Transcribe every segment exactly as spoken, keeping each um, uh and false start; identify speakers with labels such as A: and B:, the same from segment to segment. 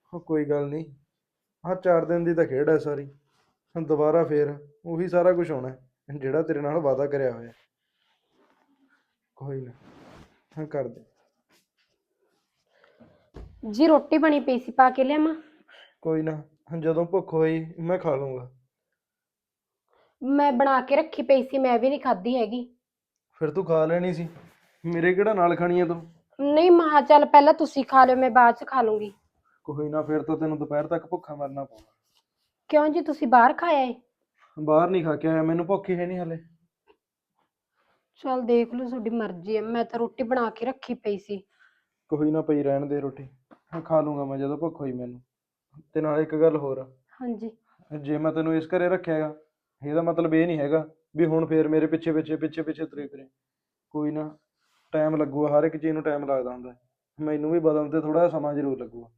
A: ਉਹ ਕੋਈ ਗੱਲ ਨਹੀਂ। ਆਹ ਚਾਰ ਦਿਨ ਦੀ ਤਾਂ ਖੇਡ ਹੈ ਸਾਰੀ। ਹੁਣ ਦੁਬਾਰਾ ਫੇਰ ਉਹੀ ਸਾਰਾ ਕੁਝ ਹੋਣਾ ਹੈ ਜਿਹੜਾ ਤੇਰੇ ਨਾਲ ਵਾਅਦਾ ਕਰਿਆ ਹੋਇਆ। ਕੋਈ ਨਾ, ਹਾਂ ਕਰ ਦੇ।
B: ਜੀ ਰੋਟੀ ਬਣੀ ਪਈ ਸੀ, ਪਾ ਕੇ ਲਿਆਵਾਂ?
A: ਕੋਈ ਨਾ, ਜਦੋਂ ਭੁੱਖ ਹੋਈ ਮੈਂ ਖਾ ਲੂੰਗਾ।
B: ਮੈਂ ਬਣਾ ਕੇ ਰੱਖੀ ਪਈ ਸੀ, ਮੈਂ ਵੀ ਨਹੀਂ ਖਾਧੀ ਹੈਗੀ।
A: ਫਿਰ ਤੂੰ ਖਾ ਲੈਣੀ ਸੀ, ਮੇਰੇ ਕਿਹੜਾ ਨਾਲ ਖਾਣੀ ਹੈ ਤੂੰ?
B: ਨਹੀਂ ਮਹਾ ਚੱਲ ਪਹਿਲਾਂ ਤੁਸੀਂ ਖਾ ਲਿਓ, ਮੈਂ ਬਾਅਦ ਚ ਖਾ ਲੂੰਗੀ।
A: ਕੋਈ ਨਾ, ਫਿਰ ਤਾਂ ਤੈਨੂੰ ਦੁਪਹਿਰ ਤੱਕ ਭੁੱਖਾ ਮਰਨਾ ਪਊਗਾ।
B: ਕਿਉਂ ਜੀ, ਤੁਸੀਂ ਬਾਹਰ ਖਾਇਆ ਏ?
A: ਬਾਹਰ ਨਹੀਂ ਖਾ ਕੇ ਆਇਆ, ਮੈਨੂੰ ਭੁੱਖ ਹੀ ਹੈ ਨਹੀਂ ਹਲੇ।
B: ਚਲ ਦੇਖ ਲਓ, ਤੁਹਾਡੀ ਮਰਜ਼ੀ ਹੈ, ਮੈਂ ਤਾਂ ਰੋਟੀ ਬਣਾ ਕੇ ਰੱਖੀ ਪਈ ਸੀ।
A: ਕੋਈ ਨਾ, ਪਈ ਰਹਿਣ ਦੇ ਰੋਟੀ, ਹਾਂ ਖਾ ਲੂੰਗਾ ਮੈਂ ਜਦੋਂ ਭੁੱਖ ਹੋਈ ਮੈਨੂੰ। ਤੇ ਨਾਲ ਇੱਕ ਗੱਲ ਹੋਰ ਆ,
B: ਹਾਂਜੀ।
A: ਜੇ ਮੈਂ ਤੈਨੂੰ ਇਸ ਘਰੇ ਰੱਖਿਆ ਹੈਗਾ, ਇਹਦਾ ਮਤਲਬ ਇਹ ਨਹੀਂ ਹੈਗਾ ਵੀ ਹੁਣ ਫੇਰ ਮੇਰੇ ਪਿੱਛੇ ਪਿੱਛੇ ਪਿੱਛੇ ਪਿੱਛੇ ਤੁਰੇ ਫਿਰੇ। ਕੋਈ ਨਾ, ਟਾਈਮ ਲੱਗੂਗਾ, ਹਰ ਇੱਕ ਚੀਜ਼ ਨੂੰ ਟਾਈਮ ਲੱਗਦਾ ਹੁੰਦਾ। ਮੈਨੂੰ ਵੀ ਬਦਲਣ ਤੇ ਥੋੜਾ ਸਮਾਂ ਜ਼ਰੂਰ ਲੱਗੂਗਾ।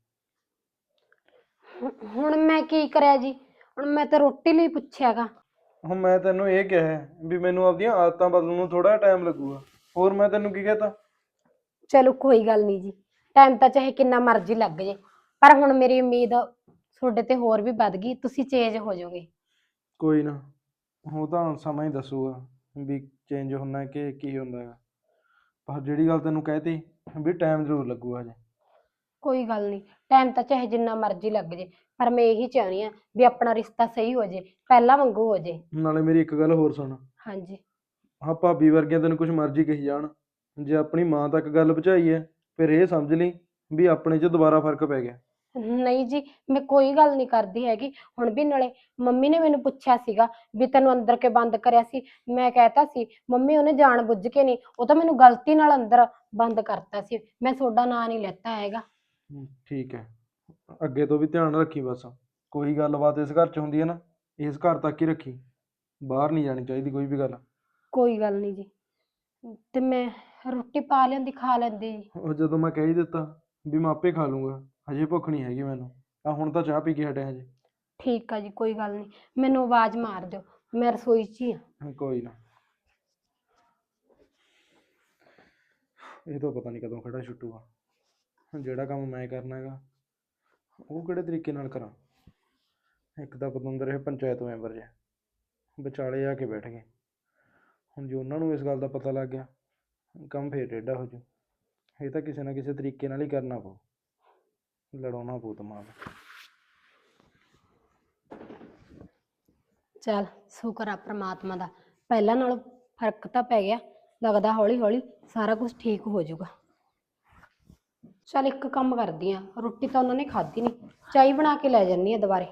B: ਹੁ- ਹੁਣ ਮੈਂ ਕੀ ਕਰਿਆ ਜੀ? ਹੁਣ ਮੈਂ ਤਾਂ ਰੋਟੀ ਲਈ ਪੁੱਛਿਆਗਾ।
A: ਹੁਣ ਮੈਂ ਤੈਨੂੰ ਇਹ ਕਿਹਾ ਹੈ ਵੀ ਮੈਨੂੰ ਆਪਦੀਆਂ ਆਦਤਾਂ ਬਦਲਣ ਨੂੰ ਥੋੜਾ ਟਾਈਮ ਲੱਗੂਗਾ। ਹੋਰ ਮੈਂ ਤੈਨੂੰ ਕੀ ਕਹਤਾ?
B: ਚਲੋ ਕੋਈ ਗੱਲ ਨਹੀਂ ਜੀ, ਟਾਈਮ ਤਾਂ ਚਾਹੇ ਕਿੰਨਾ ਮਰਜ਼ੀ ਲੱਗ ਜੇ, ਪਰ ਹੁਣ ਮੇਰੀ ਉਮੀਦ ਤੁਹਾਡੇ ਤੇ ਹੋਰ ਵੀ ਵੱਧ ਗਈ, ਤੁਸੀਂ ਚੇਂਜ ਹੋ ਜਾਓਗੇ।
A: ਕੋਈ ਨਾ, ਉਹ ਤਾਂ ਸਮਾਂ ਹੀ ਦੱਸੂਗਾ ਵੀ ਚੇਂਜ ਹੁੰਦਾ ਕਿ ਕੀ ਹੁੰਦਾ ਹੈਗਾ। ਪਰ ਜਿਹੜੀ ਗੱਲ ਤੈਨੂੰ ਕਹਿਤੀ ਵੀ ਟਾਈਮ ਜ਼ਰੂਰ ਲੱਗੂਗਾ ਹਜੇ।
B: ਕੋਈ ਗੱਲ ਨਹੀਂ, ਟਾਈਮ ਤਾਂ ਚਾਹੇ ਜਿੰਨਾ ਮਰਜ਼ੀ ਲੱਗ ਜੇ, ਪਰ ਮੈਂ ਇਹੀ ਚਾਹੁੰਦੀ ਹਾਂ ਵੀ ਆਪਣਾ ਰਿਸ਼ਤਾ ਸਹੀ ਹੋ ਜੇ, ਪਹਿਲਾਂ ਵਾਂਗੂ ਹੋ ਜੇ।
A: ਨਾਲੇ ਮੇਰੀ ਇੱਕ ਗੱਲ ਹੋਰ ਸੁਣ।
B: ਹਾਂਜੀ।
A: ਹਾਂ, ਭਾਬੀ ਵਰਗੀਆਂ ਤੈਨੂੰ ਕੁਝ ਮਰਜ਼ੀ ਕਹੀ ਜਾਣ, ਜੇ ਆਪਣੀ ਮਾਂ ਤੱਕ ਗੱਲ ਪਹੁੰਚਾਈ ਹੈ ਫਿਰ ਇਹ ਸਮਝ ਲਈ ਵੀ ਆਪਣੇ 'ਚ ਦੁਬਾਰਾ ਫਰਕ ਪੈ ਗਿਆ।
B: ਨਹੀਂ ਜੀ, ਮੈਂ ਕੋਈ ਗੱਲ ਨਹੀਂ ਕਰਦੀ ਹੈਗੀ। ਹੁਣ ਵੀ ਨਾਲੇ ਮੰਮੀ ਨੇ ਮੈਨੂੰ ਪੁੱਛਿਆ ਸੀਗਾ ਵੀ ਤੈਨੂੰ ਅੰਦਰ ਕੇ ਬੰਦ ਕਰਿਆ ਸੀ। ਮੈਂ ਕਹਿਤਾ ਸੀ ਮੰਮੀ ਉਹਨੇ ਜਾਣ ਬੁੱਝ ਕੇ ਨਹੀਂ, ਉਹ ਤਾਂ ਮੈਨੂੰ ਗਲਤੀ ਨਾਲ ਅੰਦਰ ਬੰਦ ਕਰਤਾ ਸੀ, ਮੈਂ ਤੁਹਾਡਾ ਨਾਂ ਨਹੀਂ ਲੈਤਾ ਹੈਗਾ।
A: ਹਮ, ਠੀਕ ਹੈ, ਅੱਗੇ ਤੋਂ ਵੀ ਧਿਆਨ ਰੱਖੀ ਬਸ। ਕੋਈ ਗੱਲਬਾਤ ਇਸ ਘਰ 'ਚ ਹੁੰਦੀ ਹੈ ਨਾ, ਇਸ ਘਰ ਤੱਕ ਹੀ ਰੱਖੀ, ਬਾਹਰ ਨਹੀਂ ਜਾਣੀ ਚਾਹੀਦੀ ਕੋਈ ਵੀ ਗੱਲ।
B: ਕੋਈ ਗੱਲ ਨਹੀਂ ਜੀ, ਤੇ ਮੈਂ ਰੋਟੀ ਪਾ ਲਿਆਂਦੀ, ਖਾ ਲੈਂਦੀ ਜੀ।
A: ਉਹ ਜਦੋਂ ਮੈਂ ਕਹਿ ਹੀ ਦਿੱਤਾ ਵੀ ਮੈਂ ਆਪੇ ਖਾ ਲੂੰਗਾ, ਹਜੇ ਭੁੱਖ ਨਹੀਂ ਹੈਗੀ ਮੈਨੂੰ। ਆ ਹੁਣ ਤਾਂ ਚਾਹ ਪੀ ਕੇ ਹਟਿਆ ਹਜੇ।
B: ਠੀਕ ਆ ਜੀ, ਕੋਈ ਗੱਲ ਨਹੀਂ, ਮੈਨੂੰ ਆਵਾਜ਼ ਮਾਰ ਦਿਓ, ਮੈਂ ਰਸੋਈ 'ਚ ਹੀ ਹਾਂ।
A: ਹਾਂ, ਕੋਈ ਨਾ। ਇਹ ਤਾਂ ਪਤਾ ਨਹੀਂ ਕਦੋਂ ਖੜਾ ਛੁੱਟੂਗਾ। ਜਿਹੜਾ ਕੰਮ ਮੈਂ ਕਰਨਾ ਹੈਗਾ ਉਹ ਕਿਹੜੇ ਤਰੀਕੇ ਨਾਲ ਕਰਾਂ। ਇੱਕ ਤਾਂ ਪਤੰਦਰ ਇਹ ਪੰਚਾਇਤ ਮੈਂਬਰ ਜੇ ਵਿਚਾਲੇ ਆ ਕੇ ਬੈਠ ਗਏ। ਹੁਣ ਜੇ ਉਹਨਾਂ ਨੂੰ ਇਸ ਗੱਲ ਦਾ ਪਤਾ ਲੱਗ ਗਿਆ, ਕੰਮ ਫੇਰ ਟੇਢਾ ਹੋ ਜੂ। ਇਹ ਤਾਂ ਕਿਸੇ ਨਾ ਕਿਸੇ ਤਰੀਕੇ ਨਾਲ ਹੀ ਕਰਨਾ ਪਊ, ਲੜਾਉਣਾ ਪਊ ਦਿਮਾਗ।
B: ਚੱਲ ਸ਼ੁਕਰ ਆ ਪ੍ਰਮਾਤਮਾ ਦਾ, ਪਹਿਲਾਂ ਨਾਲੋਂ ਫਰਕ ਤਾਂ ਪੈ ਗਿਆ, ਲੱਗਦਾ ਹੌਲੀ ਹੌਲੀ ਸਾਰਾ ਕੁਝ ਠੀਕ ਹੋ ਜਾਊਗਾ। ਚੱਲ ਇੱਕ ਕੰਮ ਕਰਦੀ ਆ, ਰੋਟੀ ਤਾਂ ਉਹਨਾਂ ਨੇ ਖਾਧੀ ਨਹੀਂ, ਚਾਹ ਬਣਾ ਕੇ ਲੈ ਜਾਂਦੀ ਆ ਦੁਬਾਰੇ।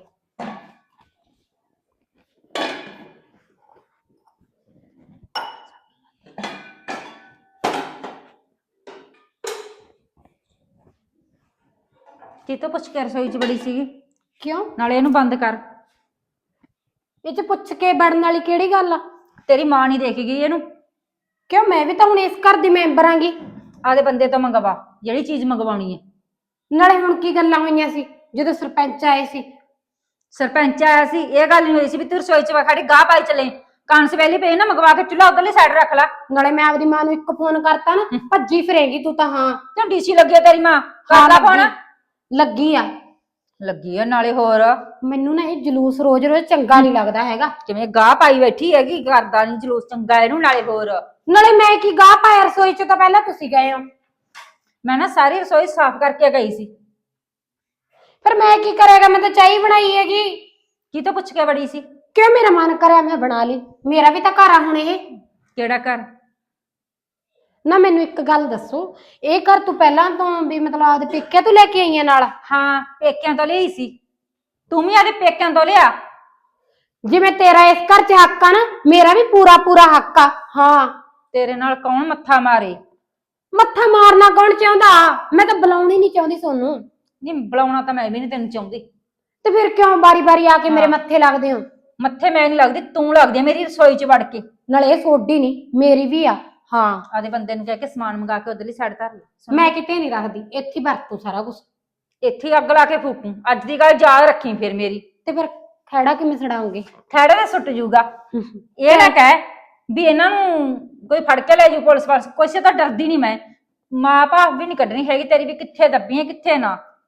C: ਕਿਤੋਂ ਪੁੱਛ ਕੇ ਰਸੋਈ 'ਚ ਬੜੀ ਸੀਗੀ?
B: ਕਿਉਂ?
C: ਨਾਲੇ ਇਹਨੂੰ ਬੰਦ ਕਰ।
B: ਇਹ 'ਚ ਪੁੱਛ ਕੇ ਵੜਨ ਵਾਲੀ ਕਿਹੜੀ ਗੱਲ ਆ?
C: ਤੇਰੀ ਮਾਂ ਨਹੀਂ ਦੇਖ ਗਈ ਇਹਨੂੰ।
B: ਕਿਉਂ, ਮੈਂ ਵੀ ਤਾਂ ਹੁਣ ਇਸ ਘਰ ਦੀ ਮੈਂਬਰ ਆਂਗੀ।
C: ਆਦੇ ਬੰਦੇ ਤੋਂ ਮੰਗਵਾ ਜਿਹੜੀ ਚੀਜ਼ ਮੰਗਵਾਉਣੀ ਹੈ।
B: ਨਾਲੇ ਹੁਣ ਕੀ ਗੱਲਾਂ ਹੋਈਆਂ ਸੀ ਜਦੋਂ ਸਰਪੰਚ ਆਏ ਸੀ?
C: ਸਰਪੰਚ ਆਇਆ ਸੀ, ਇਹ ਗੱਲ ਨਹੀਂ ਹੋਈ ਸੀ ਵੀ ਤੂੰ ਰਸੋਈ 'ਚ ਖੜੀ ਗਾਹ ਪਾਈ ਚਲੇ। ਕਾਂਸ ਪਹਿਲੀ ਪਈ ਨਾ, ਮੰਗਵਾ ਕੇ ਚੁੱਲ੍ਹਾ ਉਧਰਲੀ ਸਾਈਡ ਰੱਖ ਲੈ।
B: ਨਾਲੇ ਮੈਂ ਆਪਦੀ ਮਾਂ ਨੂੰ ਇੱਕ ਫੋਨ ਕਰਤਾ ਨਾ, ਭੱਜੀ ਫਿਰੇਗੀ ਤੂੰ ਤਾਂ। ਹਾਂ
C: ਕਿਉਂ ਡੀਸੀ ਲੱਗੀ ਆ ਤੇਰੀ ਮਾਂ? ਕਰ ਲੈ ਫੋਨ।
B: ਲੱਗੀ ਆ।
C: ਲੱਗੀ ਆ ਨਾਲੇ ਹੋਰ।
B: ਮੈਨੂੰ ਨਾ ਇਹ ਜਲੂਸ ਰੋਜ਼ ਰੋਜ਼ ਚੰਗਾ ਨਹੀਂ ਲੱਗਦਾ ਹੈਗਾ।
C: ਕਿਵੇਂ ਗਾਹ ਪਾਈ ਬੈਠੀ ਹੈਗੀ, ਕਰਦਾ ਨਹੀਂ ਜਲੂਸ ਚੰਗਾ ਇਹਨੂੰ। ਨਾਲੇ ਹੋਰ,
B: ਨਾਲੇ ਮੈਂ ਕੀ ਗਾਹ ਪਾਇਆ ਰਸੋਈ 'ਚ? ਤਾਂ ਪਹਿਲਾਂ ਤੁਸੀਂ ਗਏ ਹੋ।
C: ਮੈਂ ਨਾ ਸਾਰੀ ਰਸੋਈ ਸਾਫ਼ ਕਰਕੇ ਗਈ ਸੀ।
B: ਫਿਰ ਮੈਂ ਕੀ ਕਰੇਗਾ, ਮੈਂ ਤਾਂ ਚਾਹ ਬਣਾਈ ਹੈਗੀ।
C: ਕੀ ਤੋਂ ਪੁੱਛ ਕੇ ਬੜੀ ਸੀ?
B: ਕਿਉਂ, ਮੇਰਾ ਮਨ ਕਰਿਆ ਮੈਂ ਬਣਾ ਲਈ, ਮੇਰਾ ਵੀ ਤਾਂ ਘਰ ਆ ਹੁਣ ਇਹ।
C: ਕਿਹੜਾ ਘਰ?
B: ਨਾ ਮੈਨੂੰ ਇੱਕ ਗੱਲ ਦੱਸੋ, ਇਹ ਘਰ ਤੂੰ ਪਹਿਲਾਂ ਤੋਂ ਵੀ ਮਤਲਬ ਆਪਦੇ ਪੇਕਿਆਂ ਤੋਂ ਲੈ ਕੇ ਆਈਆਂ ਨਾਲ?
C: ਹਾਂ, ਪੇਕਿਆਂ ਤੋਂ ਲਈ ਸੀ। ਤੂੰ ਵੀ ਆਦੇ ਪੇਕਿਆਂ ਤੋਂ ਲਿਆ।
B: ਜਿਵੇਂ ਤੇਰਾ ਇਸ ਘਰ 'ਚ ਹੱਕ ਆ ਨਾ, ਮੇਰਾ ਵੀ ਪੂਰਾ ਪੂਰਾ ਹੱਕ ਆ। ਹਾਂ,
C: ਤੇਰੇ ਨਾਲ ਕੌਣ ਮੱਥਾ ਮਾਰੇ?
B: ਮੱਥਾ ਮਾਰਨਾ ਕੌਣ ਚਾਹੁੰਦਾ? ਮੈਂ ਤਾਂ ਬੁਲਾਉਣੀ ਨਹੀਂ ਚਾਹੁੰਦੀ ਸੋਨੂੰ।
C: ਨਹੀਂ ਬੁਲਾਉਣਾ ਤਾਂ ਮੈਂ ਵੀ ਨਹੀਂ ਤੈਨੂੰ ਚਾਹੁੰਦੀ।
B: ਤੇ ਫਿਰ ਕਿਉਂ ਬਾਰੀ ਬਾਰੀ ਆ ਕੇ ਮੇਰੇ ਮੱਥੇ ਲੱਗਦੇ ਹੋ?
C: ਮੱਥੇ ਮੈਂ ਨਹੀਂ ਲੱਗਦੀ, ਤੂੰ ਲੱਗਦੀ ਆ ਮੇਰੀ ਰਸੋਈ 'ਚ ਵੜ ਕੇ।
B: ਨਾਲੇ ਇਹ ਸੋਡੀ ਨਹੀਂ, ਮੇਰੀ ਵੀ ਆ। ਹਾਂ,
C: ਆਦੇ ਬੰਦੇ ਨੂੰ ਕਹਿ ਕੇ ਸਮਾਨ ਮੰਗਾ ਕੇ ਉਧਰਲੀ ਸਾਈਡ ਧਰ ਲੈ।
B: ਮੈਂ ਕਿਤੇ ਨਹੀਂ ਰੱਖਦੀ, ਇੱਥੇ ਵਰਤੂ ਸਾਰਾ ਕੁਝ।
C: ਇੱਥੇ ਅੱਗ ਲਾ ਕੇ ਫੂਕੂ, ਅੱਜ ਦੀ ਗੱਲ ਯਾਦ ਰੱਖੀ ਫਿਰ ਮੇਰੀ।
B: ਤੇ ਫਿਰ ਖੈੜਾ ਕਿਵੇਂ ਛਡਾਉਂਗੇ?
C: ਖੈੜੇ ਤੇ ਸੁੱਟ ਜੂਗਾ। ਇਹ ਨਾ ਕਹਿ ਵੀ ਇਹਨਾਂ ਨੂੰ ਕੋਈ ਫੜ ਕੇ ਲੈ ਜੂ ਪੁਲਿਸ ਵਾਲੇ, ਕਿਸੇ ਤੋਂ ਡਰਦੀ ਨਹੀਂ ਮੈਂ। ਮਾਂ ਭਾਵ ਵੀ ਨਹੀਂ ਕੱਢਣੀ ਹੈਗੀ ਤੇਰੀ ਵੀ ਕਿੱਥੇ ਦੱਬੀ ਹੈ ਕਿੱਥੇ ਨਾ।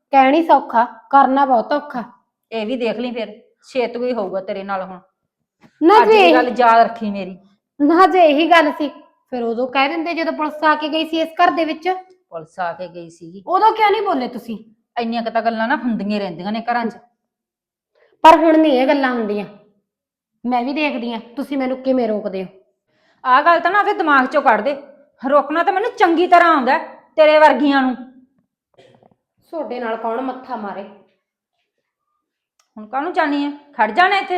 B: ਕਹਿਣੀ ਸੌਖਾ, ਕਰਨਾ ਬਹੁਤ ਔਖਾ।
C: ਇਹ ਵੀ ਦੇਖ ਲਈ ਫਿਰ ਛੇਤ ਕੋਈ ਹੋਊਗਾ ਤੇਰੇ ਨਾਲ ਹੁਣ।
B: ਨਾ
C: ਅੱਜ
B: ਜੀ
C: ਦੀ ਗੱਲ ਯਾਦ ਰੱਖੀ ਮੇਰੀ।
B: ਨਾ ਜੇ ਇਹੀ ਗੱਲ ਸੀ ਫਿਰ ਉਦੋਂ ਕਹਿ ਦਿੰਦੇ ਜਦੋਂ ਪੁਲਿਸ ਆ ਕੇ ਗਈ ਸੀ ਇਸ ਘਰ ਦੇ ਵਿੱਚ।
C: ਪੁਲਿਸ ਆ ਕੇ ਗਈ ਸੀਗੀ,
B: ਉਦੋਂ ਕਿਉਂ ਨਹੀਂ ਬੋਲੇ ਤੁਸੀਂ?
C: ਇੰਨੀਆਂ ਕੁ ਤਾਂ ਗੱਲਾਂ ਨਾ ਹੁੰਦੀਆਂ ਹੀ ਰਹਿੰਦੀਆਂ ਨੇ ਘਰਾਂ 'ਚ।
B: ਪਰ ਹੁਣ ਨਹੀਂ ਇਹ ਗੱਲਾਂ ਹੁੰਦੀਆਂ। ਮੈਂ ਵੀ ਦੇਖਦੀ ਆ ਤੁਸੀਂ ਮੈਨੂੰ ਕਿਵੇਂ ਰੋਕਦੇ ਹੋ।
C: ਆਹ ਗੱਲ ਤਾਂ ਨਾ ਉਹਦੇ ਦਿਮਾਗ 'ਚੋਂ ਕੱਢ ਦੇ। ਰੋਕਣਾ ਤਾਂ ਮੈਨੂੰ ਚੰਗੀ ਤਰ੍ਹਾਂ ਆਉਂਦਾ ਹੈ, ਤੇਰੇ ਵਰਗੀਆਂ ਨੂੰ।
B: ਤੁਹਾਡੇ ਨਾਲ ਕੌਣ ਮੱਥਾ ਮਾਰੇ?
C: ਹੁਣ ਕਾਹਨੂੰ ਜਾਣੀ ਹੈ? ਖੜ ਜਾਣਾ ਇੱਥੇ।